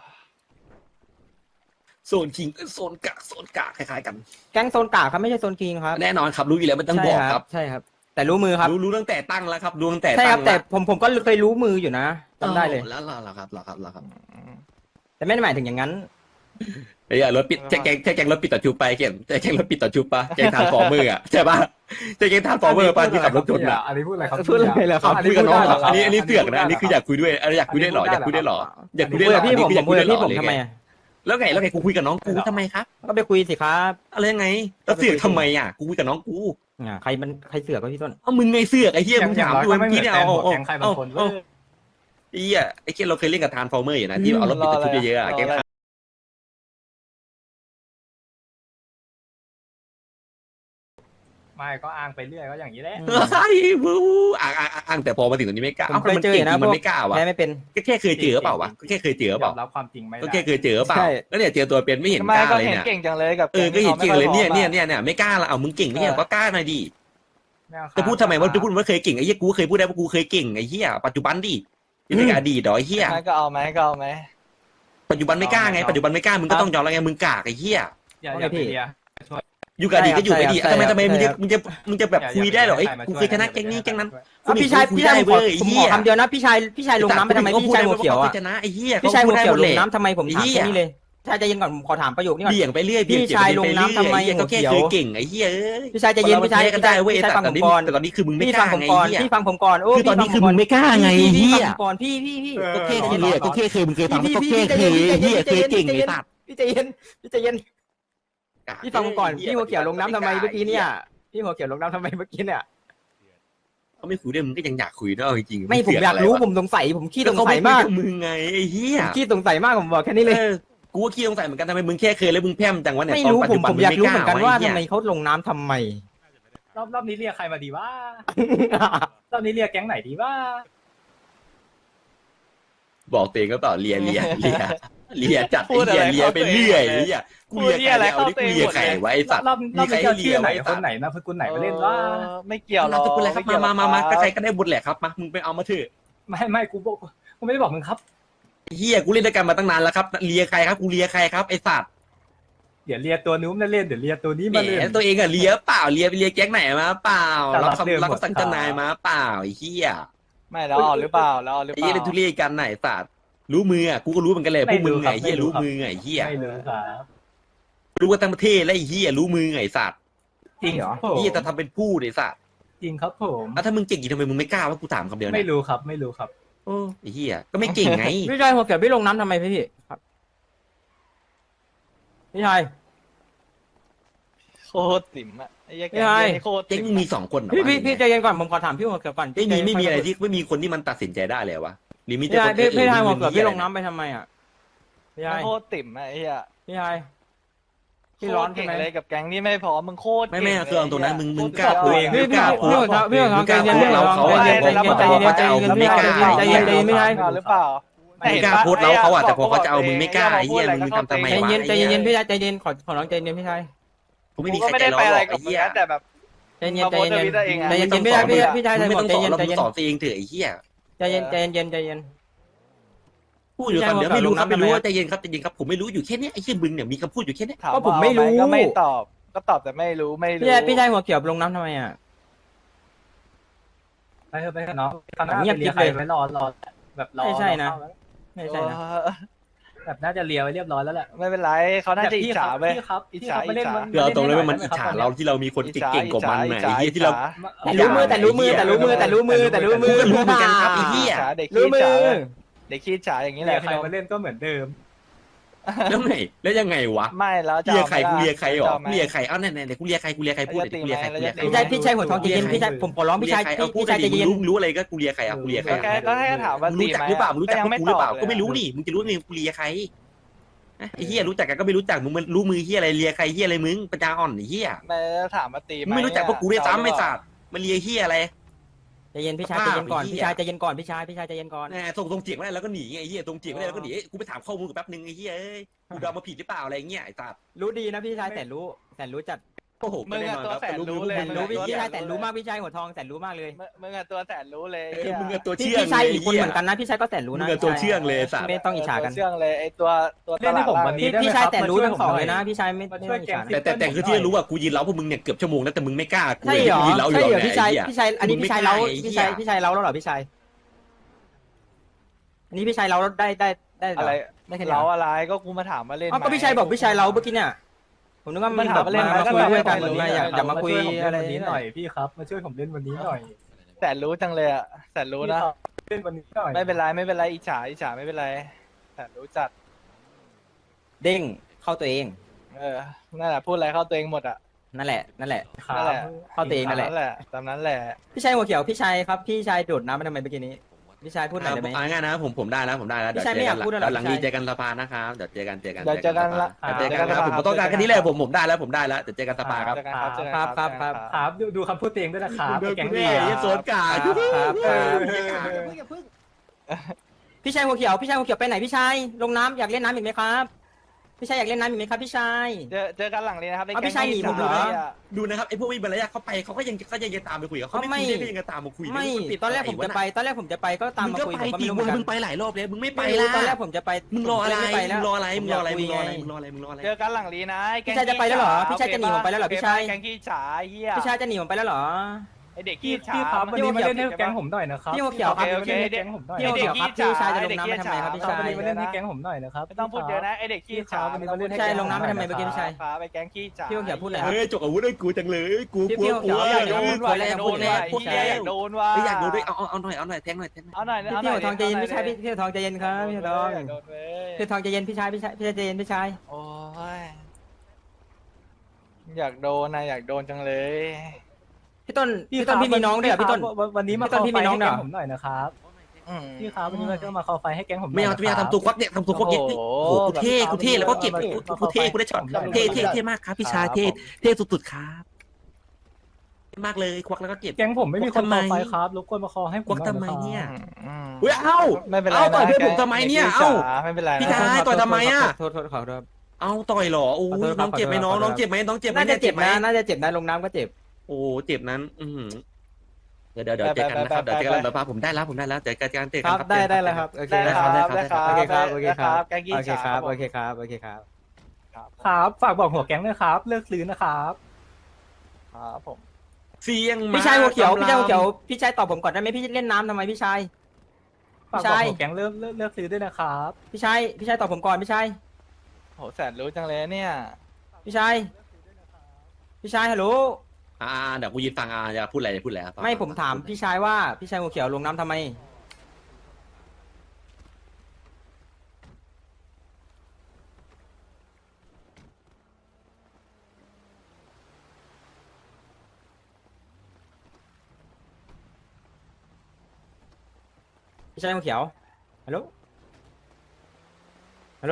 [SPEAKER 1] โซนคิงเอ้ยโซนกากโซนกากคล้ายๆกัน
[SPEAKER 6] แก๊งโซนกากครับไม่ใช่โซนคิงครับ
[SPEAKER 1] แน่นอนครับรู้อยู่แล้วมันต้อง
[SPEAKER 6] ใช่
[SPEAKER 1] บอก
[SPEAKER 6] ค
[SPEAKER 1] ค
[SPEAKER 6] รั
[SPEAKER 1] รั
[SPEAKER 6] บบ ใช่ครับ แต่รู้มือครับ
[SPEAKER 1] รู้รู้ตั้งแต่ตั้งแล้วครับรู้ตั้งแต่
[SPEAKER 6] ใช่ค
[SPEAKER 1] ตั้
[SPEAKER 6] รับ
[SPEAKER 1] ง
[SPEAKER 6] แต่
[SPEAKER 1] แล้ว
[SPEAKER 6] ผมผมก็เคยรู้มืออยู่นะจำได้เลย
[SPEAKER 1] อ๋อแล้วแล้วแล้วครับแล้วครับแล้วครับ
[SPEAKER 6] แต่ไม่ได้หมายถึงอย่างนั้น
[SPEAKER 1] ไอ้เหี้ยรถปิดแจ็คแกงแจ็คแกงรถปิดต่อชูไปเขียนแจ็คแกงรถปิดต่อชูปะแจ็คทานฟอร์เมอร์อะใช่ปะแจ็คแกงทานฟอร์เมอร์ปะที่ขับรถยนต์อะ
[SPEAKER 2] อันนี้พูดอะไรครับ
[SPEAKER 6] พูดอะไรเหรอครับ
[SPEAKER 1] คุยกับน้องเหรอ
[SPEAKER 2] พูด
[SPEAKER 1] อัน
[SPEAKER 2] ได้
[SPEAKER 1] นี้
[SPEAKER 2] เหร
[SPEAKER 1] อันนี้เสือกนะอันนี้คืออยากคุยด้วยอันนี้อยากคุยได้เหรออยากคุยได้เหรออยากคุยได้
[SPEAKER 6] คุย
[SPEAKER 1] เหร
[SPEAKER 6] กั
[SPEAKER 1] อบ
[SPEAKER 6] พี่ผม
[SPEAKER 1] อันนี้
[SPEAKER 6] ผมคุยกับ
[SPEAKER 1] อ
[SPEAKER 6] พี่
[SPEAKER 1] ยาก
[SPEAKER 6] ผม
[SPEAKER 1] คุย
[SPEAKER 6] ทำ
[SPEAKER 1] ได้
[SPEAKER 6] ไม
[SPEAKER 1] เหรอ
[SPEAKER 6] อะ
[SPEAKER 1] แล้วไงแล้วไงกูคุยกับน้องกูทำไมครับ
[SPEAKER 6] ก็ไปคุยสิครับ
[SPEAKER 1] อะไรยังไงแล้วเสือกทำไมอ่ะกูคุยกับน้องกู
[SPEAKER 6] อ่าใครมันใครเสือกก็พี่ต้น
[SPEAKER 1] เอามึงไงเสือกไอ้เหี้ยมึงถามดู
[SPEAKER 2] ไม่
[SPEAKER 1] เมื่อ
[SPEAKER 2] เหมื
[SPEAKER 1] กี้
[SPEAKER 2] อน
[SPEAKER 1] เนี่ย
[SPEAKER 2] แฟน
[SPEAKER 1] เอา
[SPEAKER 2] หัว
[SPEAKER 1] เอา
[SPEAKER 2] แก๊งใครบางคน
[SPEAKER 1] เอา
[SPEAKER 2] เว้ย
[SPEAKER 1] ไอ้เหี้ยไอ้เหี้ยเราเคยเล่นกับทานฟอร์เมอร์อยู่นะที่เอารถปิดตะชุบเยอะๆอะแกง
[SPEAKER 2] ไม่ก็อ้างไปเรื่อยก็อย่างนี้แหละ
[SPEAKER 1] ไอ้วู้อ่างอ่างอ่างแต่พอมาถึงตรงนี้ไม่กล้า
[SPEAKER 6] ผม
[SPEAKER 1] เอ้า
[SPEAKER 6] เคย
[SPEAKER 1] มัน
[SPEAKER 6] เจอ
[SPEAKER 1] เก่
[SPEAKER 6] อง ยู่
[SPEAKER 1] จ
[SPEAKER 6] นะ
[SPEAKER 1] ริง
[SPEAKER 6] พ
[SPEAKER 1] มัน
[SPEAKER 6] วก
[SPEAKER 1] ไม่กล้าวะ
[SPEAKER 6] แพ้ไม่เป็น
[SPEAKER 1] ก็แค่เคยเจอเปล่าวะก็แค่เคยเจอเป
[SPEAKER 2] ย
[SPEAKER 1] ล่า
[SPEAKER 2] อมรับความจริงไม่
[SPEAKER 1] ก็
[SPEAKER 2] ได้
[SPEAKER 1] แค่เคยเจอเปล่า
[SPEAKER 6] ใช่
[SPEAKER 1] แล้วเนี่ยเจอตัวเป็นไม่เห็น
[SPEAKER 3] ทำ
[SPEAKER 1] ก
[SPEAKER 3] ไม
[SPEAKER 1] ล้า
[SPEAKER 3] ก็
[SPEAKER 1] เลย
[SPEAKER 3] เห็น
[SPEAKER 1] เนี่ย
[SPEAKER 3] เก่งจังเลยกับ
[SPEAKER 1] เออก็เห็นเก่งเลย
[SPEAKER 3] แก๊
[SPEAKER 1] เนี่ย
[SPEAKER 3] ที่
[SPEAKER 1] เนี่ยเนี่ยเนี่ยไม่กล้าละเอามึงเก่งเนี่ยก็กล้าหน่อยดิ
[SPEAKER 2] ไม่เอาครับ
[SPEAKER 1] จะพูดทำไมว่าจะพูดว่าเคยเก่งไอ้เหี้ยกูเคยพูดได้ว่ากูเคยเก่งไอ้เหี้ยปัจจุบันดินี่เป็นอดีตดอยเหี้ย
[SPEAKER 3] ไม่ก็เอาไหมก็เอาไหม
[SPEAKER 1] ปัจจุบันไม่กล้าไงปัจจุบันไม่กล้ามึงก็ต้องยอมแล้วไงมึงกากไอ้เหี้ย
[SPEAKER 2] อย่าอย่าไปเลีย
[SPEAKER 1] อยู่กับอดีตก็อยู่กับอดีต
[SPEAKER 6] ใช่ครับ
[SPEAKER 1] ทำไมทำไมมึง
[SPEAKER 6] ใช่
[SPEAKER 1] จะ
[SPEAKER 6] ครับ
[SPEAKER 1] มึงจะมึงจะแบบ
[SPEAKER 2] อย่า
[SPEAKER 1] คุยได้เหรอ
[SPEAKER 2] อย่า
[SPEAKER 1] ไอ้
[SPEAKER 2] อย่า
[SPEAKER 1] กูเคยชนะแก๊งนี้แก๊งนั้น
[SPEAKER 6] อ่ะพี่ชาย
[SPEAKER 1] คุ
[SPEAKER 6] พี่
[SPEAKER 1] ได้
[SPEAKER 6] ชายผมข
[SPEAKER 1] เว้
[SPEAKER 6] อย
[SPEAKER 1] ไอ้
[SPEAKER 6] ผม
[SPEAKER 1] เหี้
[SPEAKER 6] ขอย คำเดียวนะพี่ชายพี่ชายลงน้ำไปทำไมพี่ชายหัวเขียวอ่ะ
[SPEAKER 1] ชนะไอ้เหี้ย
[SPEAKER 6] พี่ชายหัวเขียวลง
[SPEAKER 1] น้ำ
[SPEAKER 6] น้ำทำไมผมถาม
[SPEAKER 1] ไอ้เหี้ย
[SPEAKER 6] แค่นี้เลยใช่ใจเย็นก่อนผมขอถามประโยคนี้ก่อน
[SPEAKER 1] เบี่ยงไปเรื่อย
[SPEAKER 6] พี่ชายลงน้ำทำไม
[SPEAKER 1] ก็แค่
[SPEAKER 6] หัวเขียว
[SPEAKER 1] เคยเก่งไอ้เหี้ยเอ้ย
[SPEAKER 6] พี่ชายใจเย็นพี่ชาย
[SPEAKER 1] ก็ได้เว้ย
[SPEAKER 6] พี่
[SPEAKER 1] แต่
[SPEAKER 6] ชายฟัง
[SPEAKER 1] ต
[SPEAKER 6] ผ
[SPEAKER 1] อน
[SPEAKER 6] ม
[SPEAKER 1] นี้
[SPEAKER 6] ก่อน
[SPEAKER 1] แต่ตอนนี้คือมึงไม่
[SPEAKER 6] พี่
[SPEAKER 1] ก
[SPEAKER 6] ฟั
[SPEAKER 1] ล้าง
[SPEAKER 6] ผม
[SPEAKER 1] ไง
[SPEAKER 6] ก่อน
[SPEAKER 1] เหี้ย
[SPEAKER 6] พี่ฟังผมก่อนโอ้
[SPEAKER 1] คือตอนนี้คือมึงไม่กล้าไง
[SPEAKER 6] พี่
[SPEAKER 1] เหี้
[SPEAKER 6] พี่
[SPEAKER 1] ย
[SPEAKER 6] ฟังผมก่อนพี่พี่พี่
[SPEAKER 1] ก็แค่เคยเรียกก็แค่เคยมึงเคยฟังก็แค่เคยไอ้เหี้ยเคยเก่งไอ้สัตว์
[SPEAKER 6] พี่ใจเย็นพี่ใจเย็นพี่ฟังผมก่อนพี่หัวเขียวลงน้ำทำไมเมื่อกี้เนี่ยพี่หัวเขียวลงน้ำทำไมเมื่อกี้เนี่ย
[SPEAKER 1] เขาไม่คุยด้วยมึงก็ยังอยากคุยด้วยเอาจริงๆ
[SPEAKER 6] ไม่ผมอยากรู้ผมสงสัยผมขี้สงสัยมาก
[SPEAKER 1] ก็เขไคุบมึงไงไอ้เหี้ย
[SPEAKER 6] ผมขี้สงสัยมากผมบอกแค่นี้เลย
[SPEAKER 1] เออกูก็ขี้สงสัยเหมือนกันทำไมมึงแค่เคยแล้วมึงแพร่มจังวะเนี่ย
[SPEAKER 6] ไม่
[SPEAKER 1] ตอน
[SPEAKER 6] รู้
[SPEAKER 1] ปัจ
[SPEAKER 6] ผ
[SPEAKER 1] จุ
[SPEAKER 6] ม
[SPEAKER 1] บัน
[SPEAKER 6] ผมอยากรู้เหมือนกันว่า
[SPEAKER 1] ไหี้
[SPEAKER 6] ทำไมเขาลงน้ำทำไม
[SPEAKER 2] รอบรอบนี้เรียกใครมาดีวะรอบนี้เรียกแก๊งไหนดีวะ
[SPEAKER 1] บอกตัวเองก็เปล่าเลียเลียเลียเลียจัดไอ้เลียเลียไปเรื่อยไอ้เลียกูเลียใครเอาดิกูเลียใครไว้ไอ้สัตว์
[SPEAKER 2] รอบรอบ
[SPEAKER 1] มีใคร
[SPEAKER 2] นี้
[SPEAKER 1] ให้
[SPEAKER 2] เจ้า
[SPEAKER 1] เลี
[SPEAKER 2] ชื่
[SPEAKER 1] ย
[SPEAKER 2] อไหน
[SPEAKER 1] ไว้
[SPEAKER 2] คนไหนนะพกุลไหนมาเล่นวะ
[SPEAKER 3] ออไม่เกี่ยวหรอก
[SPEAKER 1] ตะกุลอะไรครับ
[SPEAKER 3] ไเกี่ยว
[SPEAKER 1] มามามา
[SPEAKER 3] หร
[SPEAKER 1] ก็
[SPEAKER 3] อก
[SPEAKER 1] ใครก็ได้บทแหละครับมามึงไปเอามาเถอะ
[SPEAKER 2] ไม่ไม่กูบอกกูไม่ได้บอกมึงครับ
[SPEAKER 1] ไอ้เฮียกูเล่นด้วยกันมาตั้งนานแล้วครับเลียใครครับกูเลียใครครับไอ้สัตว์
[SPEAKER 2] เดี๋ยวเลียตัวนู้นมาเล่นเดี๋ยวเลียตัวนี้
[SPEAKER 1] แห
[SPEAKER 2] มาเล่น
[SPEAKER 1] มตัวเองอะเลียเปล่าเลียไปเลียแก๊งไหนมาเปล่า
[SPEAKER 2] แต่
[SPEAKER 1] รับ
[SPEAKER 2] รับเรื่อง
[SPEAKER 1] คำรับ
[SPEAKER 2] หมด
[SPEAKER 1] สั่งเจ้านายมาเปล่าไอ้เฮีย
[SPEAKER 3] ไม่แล้วเอาหรือเปล่าแล้วเอาหรือ
[SPEAKER 1] ไอ้
[SPEAKER 3] เป
[SPEAKER 1] เฮีย
[SPEAKER 3] ล่า
[SPEAKER 1] เล่นทุเรศกันไหนสัตว์รู้มืออะกูก็รู้เหมือนกันเลยพวกมึงไงเฮียรู้มือไงเฮีย
[SPEAKER 2] ไม่รู้ครับ
[SPEAKER 1] รู้ว่าตั้งประเทศแล้วไอ้เฮียรู้มือไงสัตว์
[SPEAKER 2] จริงเหรอ
[SPEAKER 1] เฮียแต่ทำเป็นพูดไอ้สัตว์
[SPEAKER 2] จริงครับผม
[SPEAKER 1] แล้วถ้ามึงเก่งจริงทำไมมึงไม่กล้าว่ากูถามคำเดียว
[SPEAKER 2] ไม่
[SPEAKER 1] เนี่ย
[SPEAKER 2] รู้ครับไม่รู้ครับ
[SPEAKER 1] โอ้ไอ้เฮียก็ไม่เก่งไง
[SPEAKER 6] พี่ชายหัวเขียวพี่ลงน้ำทำไมพี่ครับพี่ชาย
[SPEAKER 3] โคตรติ๋มอะไอ้เหี้ยแก
[SPEAKER 6] ไม่ใช่
[SPEAKER 3] เหี้ยนี่โคตร
[SPEAKER 1] เจ๊
[SPEAKER 3] ติ๋
[SPEAKER 1] ง
[SPEAKER 3] ม
[SPEAKER 1] มีสองคนเหรอ
[SPEAKER 6] พี่
[SPEAKER 1] วะ
[SPEAKER 6] พี่พี่ใจเย็นก่อนผมขอถามพี่หัวเขียวก่อน
[SPEAKER 1] ไม่มีไม่มีอะไรที่ไม่มีคนที่มันตัดสินใจได้เลยวะหรือมีแต่
[SPEAKER 6] พี่ชา
[SPEAKER 1] ค
[SPEAKER 6] ย
[SPEAKER 1] น
[SPEAKER 6] พี่
[SPEAKER 1] เออ
[SPEAKER 6] พี่ชายหัว
[SPEAKER 1] หรื
[SPEAKER 6] เขียว
[SPEAKER 1] อ
[SPEAKER 6] พี่ล
[SPEAKER 1] มี
[SPEAKER 6] งน้ำไปทำไมอ่ะพี่ชาย
[SPEAKER 3] โคตรติ๋มอะไอ้เหี้ย
[SPEAKER 6] พี่ชายพี่ร้อน
[SPEAKER 3] โคต
[SPEAKER 6] ใช่
[SPEAKER 3] เก่ง
[SPEAKER 6] ไหม
[SPEAKER 3] เลยกับแก๊งนี่ไม่พอมึงโคตร
[SPEAKER 1] ไม่ไม่
[SPEAKER 3] เก่ง
[SPEAKER 1] คือเอาตรงนั้นมึงมึงก
[SPEAKER 3] โค
[SPEAKER 1] ล้า
[SPEAKER 3] ตร
[SPEAKER 1] พูด
[SPEAKER 3] เก่ง
[SPEAKER 6] พี่
[SPEAKER 1] มึง
[SPEAKER 6] พี่
[SPEAKER 1] กล้า
[SPEAKER 6] พี่
[SPEAKER 1] พูด
[SPEAKER 6] หัวเขียวพี่หัวเขียวใจเย็นพี่หัวเขียวใจเย็นใจเย็นใจเย็นใจเย็นพี่ชายใจเย็นใจเย็นพี่ชาย
[SPEAKER 3] เอาหรือเปล่า
[SPEAKER 1] ไม่กล้าพูดแล้วเขาอะแต่พอเขาจะเอามึงไม่กล้าไอ้เหี้ยมึงทำทำไม
[SPEAKER 6] ใจ
[SPEAKER 1] วะ
[SPEAKER 6] เย็นใจเย็นพี่ชายใจเย็นขอขอร้องใจเย็นพี่ชาย
[SPEAKER 1] กูไม่
[SPEAKER 3] กู
[SPEAKER 1] มีใค
[SPEAKER 3] ก็
[SPEAKER 1] ร
[SPEAKER 3] ไม่
[SPEAKER 1] ใจ
[SPEAKER 3] ได้
[SPEAKER 1] ร้อ
[SPEAKER 3] ไป
[SPEAKER 1] นหร
[SPEAKER 3] อะไร
[SPEAKER 1] อก
[SPEAKER 3] กับ
[SPEAKER 1] ไอ้
[SPEAKER 3] มึง
[SPEAKER 1] เหี้ย
[SPEAKER 3] นะแต่แบบ
[SPEAKER 6] ใจเย็นใจเย็น
[SPEAKER 3] มาโพสต์ทวิตเองอะ
[SPEAKER 6] ใจเย็นพี่ชายพี่พี่ชาย
[SPEAKER 1] มึงไม่
[SPEAKER 6] บ
[SPEAKER 1] ต้
[SPEAKER 6] อ
[SPEAKER 1] อก ง
[SPEAKER 6] ใจ
[SPEAKER 1] สอน
[SPEAKER 6] เย็น
[SPEAKER 1] เรา
[SPEAKER 6] ใจ
[SPEAKER 1] มึง
[SPEAKER 6] เย็น
[SPEAKER 1] สอนตัวเองเถอะไอ้เหี้ย
[SPEAKER 6] ใจเย็นใจเย็นใจเย็น
[SPEAKER 1] พูดอยู่คำเดียวไม่รู้ครับไม่รู้ว่าใจเย็นครับใจเย็นครับผมไม่รู้อยู่แค่นี้ไอ้เหี้ยมึงเนี่ยมีคำพูดอยู่แค่นี้
[SPEAKER 3] ถาม
[SPEAKER 6] ก็ผม
[SPEAKER 3] ว่า
[SPEAKER 6] ไม่รู้
[SPEAKER 3] เอาหก็ไม่ตอบก็ตอบแต่ไม่รู้ไม่รู้
[SPEAKER 6] พี่ชายพี่ชายหัวเขียวลงน้ำทำไมอ่ะ
[SPEAKER 2] ไปเถอะไปเถอะเนาะตอนหน้า
[SPEAKER 6] เงี
[SPEAKER 2] ไป
[SPEAKER 6] ยบ
[SPEAKER 2] เลีย
[SPEAKER 6] กิ๊บ
[SPEAKER 2] ใคร
[SPEAKER 6] เลย
[SPEAKER 2] ไว้รอรอแบบรอ
[SPEAKER 6] ไม่ใช่นะ
[SPEAKER 2] รอเข้า
[SPEAKER 6] ไม่ใช่นะ
[SPEAKER 3] เออ
[SPEAKER 2] แบบน่าจะเลียไว้เรียบร้อยแล้วแหละ
[SPEAKER 3] ไม่เป็นไรเขาน่าจะอิจฉาเว้ย
[SPEAKER 2] พี่ครับ
[SPEAKER 3] อิจ
[SPEAKER 2] พี่
[SPEAKER 3] ฉา
[SPEAKER 2] ครับไปเล่น
[SPEAKER 3] อิจฉา
[SPEAKER 2] มัน
[SPEAKER 1] คือเอาตรงเลย
[SPEAKER 2] ล่
[SPEAKER 1] ว่ามัน
[SPEAKER 2] ได้
[SPEAKER 1] อิจ
[SPEAKER 2] ไห
[SPEAKER 1] ฉา
[SPEAKER 2] ครับ
[SPEAKER 1] เราที่เรามีคนเก่งๆกว่ามันน่ะไอ้เหี้ยที่เรา
[SPEAKER 6] แต่รู้มือแต่รู้มือแต่รู้มือแต่รู้มือแต่รู้มือ
[SPEAKER 1] กูก็รู้เหมือนกันครับไอ้เหี้ย
[SPEAKER 3] อิจฉาเด็ก
[SPEAKER 6] รู้
[SPEAKER 3] ขี้
[SPEAKER 6] มื
[SPEAKER 3] อิจ
[SPEAKER 6] อ
[SPEAKER 3] ฉาเด็กขี้อิจฉาอย่างนี้แห
[SPEAKER 2] เลี
[SPEAKER 3] ละ
[SPEAKER 2] ยใคร
[SPEAKER 3] พี่น้อง
[SPEAKER 2] มาเล่นก็เหมือนเดิม
[SPEAKER 1] แล้วไงแล้วยังไงวะ
[SPEAKER 3] ไม่แล้วจะ
[SPEAKER 1] เลีย
[SPEAKER 3] อา
[SPEAKER 1] ใคร
[SPEAKER 3] ไหม
[SPEAKER 1] กู
[SPEAKER 3] ล่ะ
[SPEAKER 1] เลียใครหรอ
[SPEAKER 3] จะาไหม
[SPEAKER 1] เลียใครเอาไหนไหนไหนกูเลียใครกูเลียใครพูดเดี๋ยวกูเลียใครกูเลียใคร
[SPEAKER 6] พี่ชายพี่ชายหัวทองใจเย็นพี่ชายผมขอร้องพี่ชาย
[SPEAKER 1] เลียใครเอา
[SPEAKER 6] พี่
[SPEAKER 1] พูด
[SPEAKER 6] พี่ชายใจ
[SPEAKER 1] ดิ
[SPEAKER 6] เย็น
[SPEAKER 1] มึงรู้รู้อะไรก็กูเลียใครอ่ะกูเลียใคร
[SPEAKER 3] ก็
[SPEAKER 1] อ่ะ
[SPEAKER 3] แค่ก็แค่ถามว่า
[SPEAKER 1] มึง
[SPEAKER 3] ตี
[SPEAKER 1] รู้จัก
[SPEAKER 3] ไหม
[SPEAKER 1] หรือเปล่ามึงรู้จัก
[SPEAKER 3] ยัง
[SPEAKER 1] พวกกูหรือเปล่า
[SPEAKER 3] ตบ
[SPEAKER 1] ก็ไม่รู้นี่มึงจะรู้ไงกูเลียใครไอ้เหี้ยรู้จักกันก็ไม่รู้จักมึงมันรู้มือเหี้ยอะไรเลียใครเหี้ยอะไรมึงปัญญาอ่อนไอ้เหี้ย
[SPEAKER 3] ไม่ถามว่าตีไหม
[SPEAKER 1] มึงไม่รู้จักพวกกูด้วยซ้ำไม่สัตว์มันเลียเหี้ยอะไร
[SPEAKER 6] ใจเย็นพี่ชายใจเย็นก่อนพี่ชายใจเย็นก่อนพี่ชายพี่ชายใจเย็นก่อน
[SPEAKER 1] แหมส่งส่งเจียงไม่ได้แล้วก็หนีไงไอ้เหี้ยส่งเจียงไม่ได้แล้วก็หนีเอ้ยกูไปถามข้อมูลกับแป๊บนึงไอ้เหี้ยเอ้ยกูเดามาผิดหรือเปล่าอะไรเงี้ยไอ้สัตว์
[SPEAKER 6] รู้ดีนะพี่ชายแต่รู้แต่รู้จัด
[SPEAKER 1] โอ้โห
[SPEAKER 3] มึงอะตัวแสนรู้เลย
[SPEAKER 6] แต่
[SPEAKER 3] มึง
[SPEAKER 6] รู้
[SPEAKER 3] อะ
[SPEAKER 6] พี่
[SPEAKER 3] ตัว
[SPEAKER 6] พี่
[SPEAKER 3] แส
[SPEAKER 6] ชาย
[SPEAKER 3] น
[SPEAKER 6] แต่รู้มากพี่ชายหัวทองแต่รู้มากเลย
[SPEAKER 3] มึงมึงอะตัวแสนรู้เลย
[SPEAKER 1] เอ
[SPEAKER 3] ไอ้
[SPEAKER 1] อ
[SPEAKER 3] เหี้ย
[SPEAKER 1] มึงอะตัว
[SPEAKER 6] พี่
[SPEAKER 1] เชื่อง
[SPEAKER 6] พี่ชายอีกคน
[SPEAKER 1] ไหี้
[SPEAKER 6] เหมือนกันนะพี่ชายก็แต่รู้
[SPEAKER 1] มึ
[SPEAKER 6] นะ
[SPEAKER 1] งอะตัวเชื่องเลยสัตว์
[SPEAKER 6] ไม่ต้องอิจฉากัน
[SPEAKER 3] ตัวเชื่องเลยไอ้ตัวตัวต
[SPEAKER 2] เล่น
[SPEAKER 3] ลา
[SPEAKER 2] ให้
[SPEAKER 3] ด
[SPEAKER 2] ผม
[SPEAKER 3] ล่าง
[SPEAKER 2] วันนี้
[SPEAKER 6] พี่
[SPEAKER 2] ได้ไหม
[SPEAKER 6] พี่
[SPEAKER 2] ค
[SPEAKER 6] ชาย
[SPEAKER 2] รับ
[SPEAKER 6] แต่รู้
[SPEAKER 2] มาช่วย
[SPEAKER 6] ทั้งสอง
[SPEAKER 2] ผมหน่อย
[SPEAKER 6] เลยนะพี่ชายไม่
[SPEAKER 2] มา
[SPEAKER 6] ไม่
[SPEAKER 2] ช่วย
[SPEAKER 6] ต้องอิจ
[SPEAKER 2] แก๊ง
[SPEAKER 6] ฉา
[SPEAKER 2] สิ
[SPEAKER 1] แต่แต่แต่คือที่รู้ว่ากูยืนเล้าพวกมึงเนี่ยเกือบชั่วโมงแล้วแต่มึงไม่กล้ากู
[SPEAKER 6] ใช่เหรอ
[SPEAKER 1] ยืนเล้าอยู่
[SPEAKER 6] ใช่เหรอ
[SPEAKER 1] ไง
[SPEAKER 6] พี่ชาย
[SPEAKER 1] ไอ้เหี้ย
[SPEAKER 6] พี่ชายอันนี้พี่ชายเราพี่ชายพี่ชายเราแล้วเหรอพี่ชายอันนี้พี่ชายเราได้ได้ได้เห
[SPEAKER 3] อะไร
[SPEAKER 6] ได้แค่นี้
[SPEAKER 3] เรา
[SPEAKER 6] เหรอ
[SPEAKER 3] อะไรก็กูมาถามมาเล่น
[SPEAKER 6] อ๋อก็พี่ชายบอกพี่ชายเราเมื่อกี้เนี่ยผมนึกว่ามัน
[SPEAKER 3] มาถาม
[SPEAKER 6] แบบ
[SPEAKER 3] ว่าเล่นไหม
[SPEAKER 6] มา
[SPEAKER 3] ก็
[SPEAKER 6] คุย
[SPEAKER 3] ตอบ
[SPEAKER 6] ด้วยกัน
[SPEAKER 3] ไม่ตอบ
[SPEAKER 6] มาอยากอยากมาคุย
[SPEAKER 2] ช่วยผมเล่น
[SPEAKER 6] อะไร
[SPEAKER 2] วันนี้หน่อยพี่ครับมาช่วยผมเล่นวันนี้หน่อย
[SPEAKER 3] แสนรู้จังเลยอะแสนรู้นะ
[SPEAKER 2] พี่ครับเล่นวันนี้หน่อย
[SPEAKER 3] ไม่เป็นไรไม่เป็นไรอิจฉาอิจฉาไม่เป็นไรแสนรู้จัด
[SPEAKER 6] เด้งเข้าตัวเอง
[SPEAKER 3] เออนั่นแหละพูดอะไรเข้าตัวเองหมดอะ
[SPEAKER 6] นั่นแหละนั่นแหละ
[SPEAKER 2] ครับ
[SPEAKER 3] นั่นแหละ
[SPEAKER 6] เข้าตัวเองนั่นแหละ
[SPEAKER 3] ตามนั้นแหละตามนั้นแหละ
[SPEAKER 6] พี่ชายหัวเขียวพี่ชายครับพี่ชายโดดน้ำมาทำไมเมื่อกี้นี้พี่ชายพูดหน่อยได้ไหม
[SPEAKER 1] เอาง่ายๆนะผมผมได้แล้วผมได้แล้ว
[SPEAKER 6] พี่
[SPEAKER 1] เดี๋ยว
[SPEAKER 6] ชายไม่
[SPEAKER 1] เจอ
[SPEAKER 6] อยา
[SPEAKER 1] กั
[SPEAKER 6] ก
[SPEAKER 1] น
[SPEAKER 6] พูดอะไรหรอ
[SPEAKER 1] หลัง
[SPEAKER 6] พี่
[SPEAKER 1] นี้
[SPEAKER 6] ชาย
[SPEAKER 1] เจอกันสภานะครับเดี๋ยวเจอกันเจอกัน
[SPEAKER 3] เดี๋ยวเจอกันละ
[SPEAKER 1] เดี๋ยวเจอกันนะครับผมต้องการแค่นี้แหละผมผมได้แล้วผมได้แล้วเดี๋ยวเจอกันสภาครับ
[SPEAKER 3] เจอกันครับเจอกัน
[SPEAKER 6] ครับครับครับ
[SPEAKER 2] ครับดูดูคำพูดตัวเองด้วยนะครับ
[SPEAKER 1] เดิน
[SPEAKER 2] แก๊ง
[SPEAKER 1] กู
[SPEAKER 2] ดี
[SPEAKER 1] แน่
[SPEAKER 2] อะ
[SPEAKER 1] ไอ้โซนกา
[SPEAKER 6] ครับครับ
[SPEAKER 2] เออ
[SPEAKER 6] พี่ชายหัวเขียวพี่ชายหัวเขียวไปไหนพี่ชายลงน้ำอยากเล่นน้ำอีกไหมครับพี่ชายอยากเล่นน้ำอีกไหมครับพี่ชาย
[SPEAKER 3] เจอเจอกันหลังเลยนะครับ
[SPEAKER 6] เอาพี่ชายหนีผมเหรอ
[SPEAKER 1] ดูนะครับไอ้พวกมีบรรยาเขาไปเขาก็ยังก็ยังจะตามไปคุยกับเขาไม่คุยได้ก็ยังจะตามมาคุย
[SPEAKER 6] ไม่ตอนแรกผมจะไปตอนแรกผมจะไปก็ตาม
[SPEAKER 1] มึง
[SPEAKER 6] มา
[SPEAKER 1] ก็
[SPEAKER 6] คุย
[SPEAKER 1] ไป
[SPEAKER 6] ผมก็
[SPEAKER 1] ดิ
[SPEAKER 6] ไม่รู้เห
[SPEAKER 1] มึ
[SPEAKER 6] มือนกัน
[SPEAKER 1] งมึงไปหลายรอบแล้วมึงไม่ไป
[SPEAKER 6] ไม่รู้
[SPEAKER 1] ละ
[SPEAKER 6] ตอนแรกผมจะไป
[SPEAKER 1] มึงรออะไร
[SPEAKER 6] ผมก็ม่ปแล้ว
[SPEAKER 1] มึงรออะไรมึงรออะไร
[SPEAKER 6] ผ
[SPEAKER 1] มึงรออะไร
[SPEAKER 6] ยาก
[SPEAKER 1] มึง
[SPEAKER 6] คุ
[SPEAKER 1] ร
[SPEAKER 6] ย
[SPEAKER 1] ออะไรมึงรออะไร
[SPEAKER 3] เจอกันหลังลีนะ
[SPEAKER 6] พี่ชายจะไปแล้วเหรอพี่ชายจะหนีผมไปแล้วเหรอพี่ชาย
[SPEAKER 3] แกงขี้ฉาเฮีย
[SPEAKER 6] พี่ชายจะหนีผมไปแล้วเหรอ
[SPEAKER 3] ไอเด็ก
[SPEAKER 2] พี่
[SPEAKER 3] ขี้ฉา
[SPEAKER 2] พี่ครับวันนี้มาเล่นให้แก๊ง
[SPEAKER 3] ผ
[SPEAKER 2] ผมหน่อยนะครับ
[SPEAKER 6] พี่หัวเขียวครับ
[SPEAKER 3] โอเค
[SPEAKER 2] มา
[SPEAKER 3] โอเค
[SPEAKER 2] เล่นให้แก๊งผมหน่อย
[SPEAKER 6] พี่หัวเขียวครับพี่ชายจะลงน้ำไปทำไมครับพี่ชาย
[SPEAKER 2] วันนี้มาเล่นให้แก๊งผมหน่อยนะครับ
[SPEAKER 3] ไม่ต้องพูดเยอะนะไอเด็กขี้ฉา
[SPEAKER 2] วันนี้มาเล่นให้
[SPEAKER 6] พี่ชาย
[SPEAKER 2] แก๊ง
[SPEAKER 6] ลงน้ำไปทำไมเมื่อกี้พี่ชาย
[SPEAKER 3] พาไปแกงขี้ฉา
[SPEAKER 6] พี่หัวเขียวพูดเลย
[SPEAKER 1] เฮ้ยจกอาวุธให้กูจังเลยกู
[SPEAKER 6] พี่
[SPEAKER 1] กลัว
[SPEAKER 6] พี่
[SPEAKER 1] กลัว
[SPEAKER 6] เขียว
[SPEAKER 1] อยาก
[SPEAKER 6] อยาก
[SPEAKER 1] โด
[SPEAKER 6] โด
[SPEAKER 1] น
[SPEAKER 6] น
[SPEAKER 3] โดนว่ะอยากโดนว่ะ
[SPEAKER 1] พวก
[SPEAKER 3] เฮียอยากโดนว่ะ
[SPEAKER 1] เฮ้ยอยากโดนด้วยเอาเอาเอาหน่อยเอาหน่อยแทงหน่อยแทงหน่อย
[SPEAKER 3] เอาหน่อย
[SPEAKER 6] พี่
[SPEAKER 3] เอาห
[SPEAKER 6] พี่
[SPEAKER 3] น่อ
[SPEAKER 6] หั
[SPEAKER 3] ยว
[SPEAKER 6] ทองใจเย็นพี่ชายพี่พี่หัวทองใจเย็นครับพี่หัวทอง
[SPEAKER 3] อยากโดนเว้ย
[SPEAKER 6] พี่หัวทองใจเย็นพี่ชายพี่ชายพี่ชายใจเย็นพี่ชาย
[SPEAKER 3] โอ้ยอยากโดนนะอยากโดนจังเลย
[SPEAKER 6] พี่ต้นพี่ต้นพี่มีน้องด้วยเหรอพี่ต้น
[SPEAKER 2] วันวันนี้มา
[SPEAKER 6] พี่ต้น
[SPEAKER 2] เข้า
[SPEAKER 6] พี่
[SPEAKER 2] ไฟ
[SPEAKER 6] มีน้อง
[SPEAKER 2] ให้
[SPEAKER 6] ด้วย
[SPEAKER 2] แก๊
[SPEAKER 6] เหรอ
[SPEAKER 2] งผมหน่อยนะครับ
[SPEAKER 3] อืม
[SPEAKER 2] พี่ครับวันนี้มาก็มาเข้าไฟให้แก๊งผมหน่
[SPEAKER 1] ไม่
[SPEAKER 2] อย
[SPEAKER 1] เอา
[SPEAKER 2] นะ
[SPEAKER 1] ไม่เอา
[SPEAKER 2] ครับ
[SPEAKER 1] ทำตัวควักเนี่ยทำตัวควักเนี่ย
[SPEAKER 3] โอ้
[SPEAKER 1] โอ้
[SPEAKER 3] โห
[SPEAKER 1] โหกูเท่กูเท่แล้วก็เก็บกูกูเท่กูได้ช็อตเท่เท่เท่มากครับพี่ชายเท่เท่สุดๆครับเท่มากเลยควักแล้วก็เก็บ
[SPEAKER 2] แก๊งผมไม่มีคนเข้าไฟครับรบกวนมาคอให้ผม
[SPEAKER 1] ควัก
[SPEAKER 2] หน่อย
[SPEAKER 1] ทำไม
[SPEAKER 2] นะครับ
[SPEAKER 1] เนี่ย
[SPEAKER 3] อืม
[SPEAKER 1] อุ้ยเอ้า
[SPEAKER 3] ไม่เป็นไร
[SPEAKER 1] เอ้าต่อย
[SPEAKER 3] นะ
[SPEAKER 1] เพื่อนผมทำไมเนี่ย
[SPEAKER 3] แกง
[SPEAKER 1] เอ้า
[SPEAKER 3] ขี้ฉไม่เป็นไรนะ
[SPEAKER 1] พี่ชายต่อยทำไมอะ
[SPEAKER 6] โทษโทษขอโทษ
[SPEAKER 1] เอาต่อยเหรอโอ้
[SPEAKER 6] ขอโท
[SPEAKER 1] ย
[SPEAKER 6] ษครับ
[SPEAKER 1] น้องเจ็บไหม
[SPEAKER 6] ขอโทษ
[SPEAKER 1] น้อง
[SPEAKER 6] ขอโทษ
[SPEAKER 1] น้องเจ็บไหมน้องเจ็บไหม
[SPEAKER 6] น่าจะ
[SPEAKER 1] เนี่ย
[SPEAKER 6] เจ็บ
[SPEAKER 1] ไหม
[SPEAKER 6] นะน่าจะเจ็บนะลงน้ำก็เจ็บ
[SPEAKER 1] โอ้เจ็บนั้น อือหือเดี๋ยวเดี๋ยวเดี๋ยวเจอกันนะครับเดี๋ยวเจอกันเดี๋ยวพาผมได้แล้วผมได้แล้วเจอกันเจอกันเจอ
[SPEAKER 6] ค
[SPEAKER 1] กัน
[SPEAKER 6] รับได้ได้เลยครับโอเค
[SPEAKER 3] ได้
[SPEAKER 6] ค
[SPEAKER 3] ค
[SPEAKER 6] รั
[SPEAKER 3] รั
[SPEAKER 6] บบ
[SPEAKER 3] ได้ครับ
[SPEAKER 6] โอเคครับโอเคครับ
[SPEAKER 3] แกงขี้
[SPEAKER 6] โอเค
[SPEAKER 3] ฉา
[SPEAKER 6] ครับโอเคครับโอเคครับ
[SPEAKER 2] ครับฝากบอกหัวแก๊งด้วยครับเลิกซื้อนะครับ
[SPEAKER 3] ครับผม
[SPEAKER 1] เสียง
[SPEAKER 6] พี่ชายหัวเขียวพี่ชายหัวเขียว
[SPEAKER 1] ก
[SPEAKER 6] พี่ชายตอบผมก่อนได้ไหมพี่เล่นน้ำทำไมพี่ชาย
[SPEAKER 2] ฝาก
[SPEAKER 6] ใช่
[SPEAKER 2] บอกหัวแก๊งเลิกเลิกเลิกซื้อด้วยนะครับ
[SPEAKER 6] พี่ชายพี่ชายตอบผมก่อนพี่ชาย
[SPEAKER 3] โหแสนรู้จังเลยเนี่ย
[SPEAKER 6] พี่ชายพี่ชายฮัลโหล
[SPEAKER 1] อ่าเดี๋ยวกูยืนฟังอ่าอย่าพูดอะไรอย่าพูดอะไรอ่ะฟัง
[SPEAKER 6] ไม่ผมถามพี่ชายว่าพี่ชายหัวเขียวลงน้ำทำไมพี่ชายหัวเขียวฮัลโหลฮัลโหล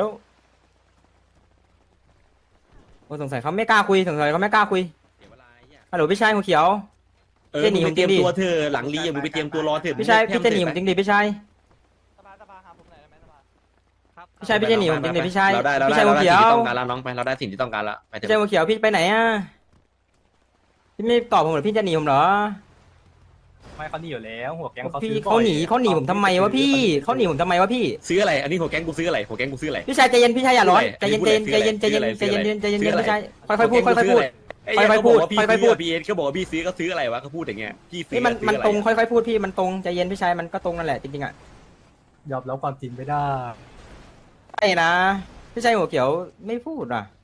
[SPEAKER 6] โอ้สงสัยเขาไม่กล้าคุยสงสัยเขาไม่กล้าคุย
[SPEAKER 1] เสียเวลาไอ้เหี้ย
[SPEAKER 6] ฮัลโหลพี่ชายหัวเขียว
[SPEAKER 1] เออ
[SPEAKER 6] เจ๊หนี
[SPEAKER 1] มึงไปเตรียม
[SPEAKER 6] ผมจริงดิ
[SPEAKER 1] ตัวเธอหลังรีอ่ะมึงไปเตรียมตัวรอเถอะ
[SPEAKER 6] พี่ชาย
[SPEAKER 1] มึง
[SPEAKER 6] พี่จะหนีผมจริงดิพี่ชาย
[SPEAKER 3] สภาสภาหาผมหน่อยได้ไหมสภา
[SPEAKER 6] พี่ชายพี่จะหนีผมจริงดิพี่ชาย
[SPEAKER 1] เราได้เรา
[SPEAKER 6] พี่
[SPEAKER 1] ได้
[SPEAKER 6] ชาย
[SPEAKER 1] เรา
[SPEAKER 6] หัว
[SPEAKER 1] ได้
[SPEAKER 6] เขีย
[SPEAKER 1] สิ่ง
[SPEAKER 6] ว
[SPEAKER 1] ที่ต้องการแล้วน้องไปเราได้สิ่งที่ต้องการแล้วไปเถ
[SPEAKER 6] พี่ชาย
[SPEAKER 1] อะ
[SPEAKER 6] หัวเขียวพี่ไปไหนอ่ะพี่ไม่ตอบผมเหรอพี่จะหนีผมเหรอ
[SPEAKER 2] ไม่เขาหนีอยู่แล้วหัวแก๊งเขา
[SPEAKER 6] พี่
[SPEAKER 2] ซื้อบ่
[SPEAKER 6] เขา
[SPEAKER 2] อย
[SPEAKER 6] หนีเขาหนีผมทำไมวะพี่เขาหนีผมทำไมวะพี่
[SPEAKER 1] ซื้ออะไรอันนี้หัวแก๊งกูซื้ออะไรหัวแก๊งกูซื้ออะไร
[SPEAKER 6] พี่ชายใจเย็นพี่ชายอย่าร้อน
[SPEAKER 1] ซื้
[SPEAKER 6] ใจ
[SPEAKER 1] ออะไร
[SPEAKER 6] เย็นใจเย็นใจเย็นใจเย็นใจเย็นใจเย็นใจเย็น
[SPEAKER 1] ซื้ออะไร
[SPEAKER 6] พี่ชายค่อยๆพูดค่อยๆพูด
[SPEAKER 1] ไอ้
[SPEAKER 6] ค่
[SPEAKER 1] เหี้
[SPEAKER 6] อยๆพูด
[SPEAKER 1] เขาบอกว่าพี่
[SPEAKER 6] ค่อยๆพู
[SPEAKER 1] ซื้
[SPEAKER 6] ด
[SPEAKER 1] อพี่เอสเขาบอกว่าพี่ซื้อก็ซื้ออะไรวะเขาพูดอย่างเงี้ยพี่ซื้อ
[SPEAKER 6] นี่มัน
[SPEAKER 1] ซื้อ
[SPEAKER 6] มัน
[SPEAKER 1] อะไร
[SPEAKER 6] ตรงค่อยๆพูดพี่มันตรงใจเย็นพี่ชายมันก็ตรงนั่นแหละจริงๆอ่ะ
[SPEAKER 2] ยอมรับความจริงไม่ได้
[SPEAKER 6] ใช่นะพี่ชายหัวเขียวไม่พูดอ่ะ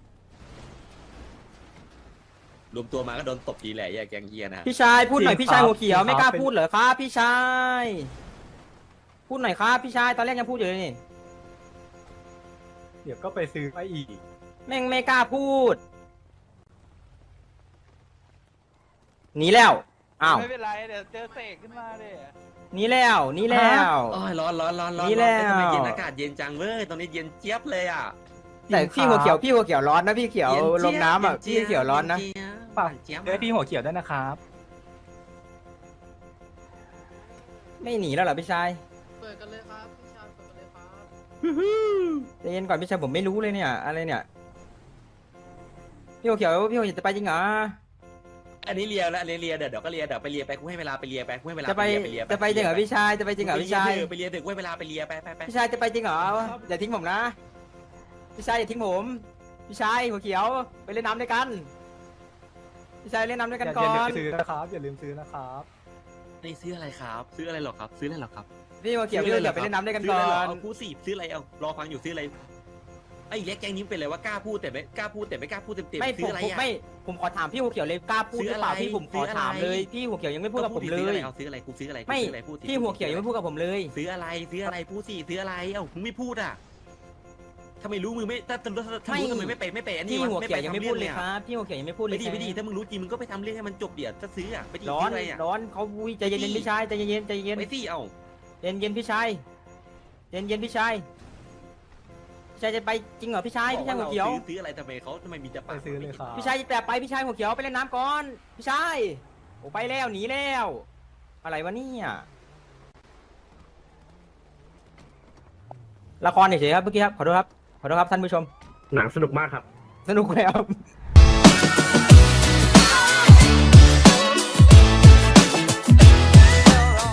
[SPEAKER 1] รวมตัวมาก็โดนตบทีแหละแยกแกงเฮียนะ
[SPEAKER 6] พี่ชายพูดหน่อย
[SPEAKER 2] จริง
[SPEAKER 6] พี่ชาย
[SPEAKER 2] ครับ
[SPEAKER 6] หัวเขียว
[SPEAKER 2] จริง
[SPEAKER 6] ไม่กล้า
[SPEAKER 2] ครับ
[SPEAKER 6] พูดเหรอครับพี่ชายพูดหน่อยครับพี่ชายตอนแรกยังพูดอยู่เลยนี่
[SPEAKER 2] เดี๋ยวก็ไปซื้อมาอีก
[SPEAKER 6] แม่งไม่กล้าพูดหนีแล้วอ้าว
[SPEAKER 3] ไม่เป็นไรเดี๋ยวเจอเสกขึ้นมาเด้
[SPEAKER 6] หนีแล้วหนีแล้ว
[SPEAKER 1] โอ้ยร้อนร้อนร้อนร้อน
[SPEAKER 6] นี่แล้ว
[SPEAKER 1] ทำไมเย็นอากาศเย็นจังเว้ยตอนนี้เย็นเจี๊ยบเลยอ่ะ
[SPEAKER 6] แต่พี่หัวเขียวพี่หัวเขียวร้อนนะพี่เขียว
[SPEAKER 1] เย็น
[SPEAKER 6] ล
[SPEAKER 1] เจี๊ยบ
[SPEAKER 6] มน้ำอ่ะ
[SPEAKER 1] เย็
[SPEAKER 6] พี่
[SPEAKER 1] จี๊บ
[SPEAKER 6] เขียวร้อนนะ
[SPEAKER 1] เจี๊ยบ
[SPEAKER 2] ฝาก
[SPEAKER 1] เจี๊ยบ
[SPEAKER 2] ด้วยพี่หัวเขียวด้วยนะครับ
[SPEAKER 6] ไม่หนีแล้วเหรอพี่ชาย
[SPEAKER 4] เปิดกันเลยครับพี่ชายเปิดกันเลยครับ
[SPEAKER 6] ใจเย็นก่อนพี่ชายผมไม่รู้เลยเนี่ยอะไรเนี่ยพี่หัวเขียวพี่หัวเขียวจะไปจริงเหรอ
[SPEAKER 1] อันนี้เลียแล้วอันนี้เลียเดี๋ยวเดี๋ยวก็เลียเดี๋ยวไปเลียไปกูให้เวลาไปเลียไปกูให้เวลา
[SPEAKER 6] จะไป
[SPEAKER 1] เลีย
[SPEAKER 6] จะไปจริงเหรอพี่ชายจะไปจริงเหรอพี่ชาย
[SPEAKER 1] ไปเลียเดี๋ยวกูให้เวลาไปเลียไปไปไป
[SPEAKER 6] พี่ชายจะไปจริงเหรออย่าทิ้งผมนะพี่ชายอย่าทิ้งผมพี่ชายหัวเขียวไปเล่นน้ำด้วยกันพี่ชายเล่นน้ำด้วย
[SPEAKER 2] อ
[SPEAKER 6] กัน
[SPEAKER 2] ย่า
[SPEAKER 6] ก่
[SPEAKER 2] อ
[SPEAKER 6] อย่
[SPEAKER 2] าลืม
[SPEAKER 6] น
[SPEAKER 2] ซื้อนะครับอย่าลืมซื้อนะครับ
[SPEAKER 1] นี่ซื้ออะไรครับ ซื้ออะไรหรอครับ ซื้ออะไรหรอครับ
[SPEAKER 6] พี่หัวเขียวพี่หัวเขียวไปเล่นน้ำด้วยกัน
[SPEAKER 1] ซื้อ
[SPEAKER 6] ก่
[SPEAKER 1] อะไร
[SPEAKER 6] อ
[SPEAKER 1] หรอน เอากูสิซื้ออะไรเอารอฟังอยู่ซื้ออะไรไอ้เล็กแกงนี้เป็นอะไรว่ากล้าพูดแต่ไม่กล้าพูดแต่ไม่กล้าพูดเต็มเต็ม
[SPEAKER 6] ไม่
[SPEAKER 1] ซื้
[SPEAKER 6] ผ
[SPEAKER 1] อ
[SPEAKER 6] ม
[SPEAKER 1] อะไร
[SPEAKER 6] ผม
[SPEAKER 1] อ่ะ
[SPEAKER 6] ไม่ผมขอถามพี่หัวเขียวเลยกล้าพูดหรือเปล่า
[SPEAKER 1] ซื้ออะไร
[SPEAKER 6] พี่ผมข
[SPEAKER 1] ซื้
[SPEAKER 6] อ
[SPEAKER 1] ออะไร
[SPEAKER 6] ถามเลยพี่หัวเขียวยังไม่พูดกับผมเล
[SPEAKER 1] ซื้ออะไร
[SPEAKER 6] ย
[SPEAKER 1] เอาซื้ออะไรกูซื้ออะไรกู
[SPEAKER 6] ไม่
[SPEAKER 1] ซื้ออะไรพูดสิ
[SPEAKER 6] พี่หัวเขียวยังไม่พูดกับผมเลย
[SPEAKER 1] ซื้ออะไรซื้ออะไรพูดสิซื้ออะไรเอ้ามึงไม่พูดอ่ะถ้าไม่รู้มึงไม่ถ้าถ้าถ้ารู้ทำไมไม่ไปไม่ไปอันนี้
[SPEAKER 6] พี่
[SPEAKER 1] วะ
[SPEAKER 6] หัวเขียวยังไม่พูดเลย
[SPEAKER 1] อะ
[SPEAKER 6] ครับพี่หัวเขียวยังไม่พูดเล
[SPEAKER 1] ไม่
[SPEAKER 6] ย
[SPEAKER 1] ดีไม่ดีถ้ามึงรู้จริงมึงก็ไปทำเรื่องให้มันจบเดี๋ยวถ้าซื้ออ่ะไปดี
[SPEAKER 6] ร้อ
[SPEAKER 1] ซื้
[SPEAKER 6] น
[SPEAKER 1] ออะไรอ่ะ
[SPEAKER 6] ร้อนเขาอุ้ยใจเย็นๆพี่ชายใจเย็นๆใจเย็น
[SPEAKER 1] ไปสิเอ้า
[SPEAKER 6] เย็นเย็นๆพี่ชายเย็นเย็นๆพี่ชายพี่ชายจะไปจริงเหรอพี่ชายพี่ชายหัวเขียว
[SPEAKER 1] ซื้อซื้ออะไรทำไมเขาทำไมมีแต่
[SPEAKER 2] ไป
[SPEAKER 1] ปาก
[SPEAKER 2] ซื้อเลยครับ
[SPEAKER 6] พี่ชายแต่ไปพี่ชายหัวเขียวไปเล่นน้ำก่อนพี่ชายโอ้ไปแล้วหนีแล้วอะไรวะเนี่ยละครเฉยๆครับเมื่อกี้ครับขอโทษครับขอโทษครับท่านผู้ชม
[SPEAKER 8] หนังสนุกมากครับ
[SPEAKER 6] สนุกเลยครับ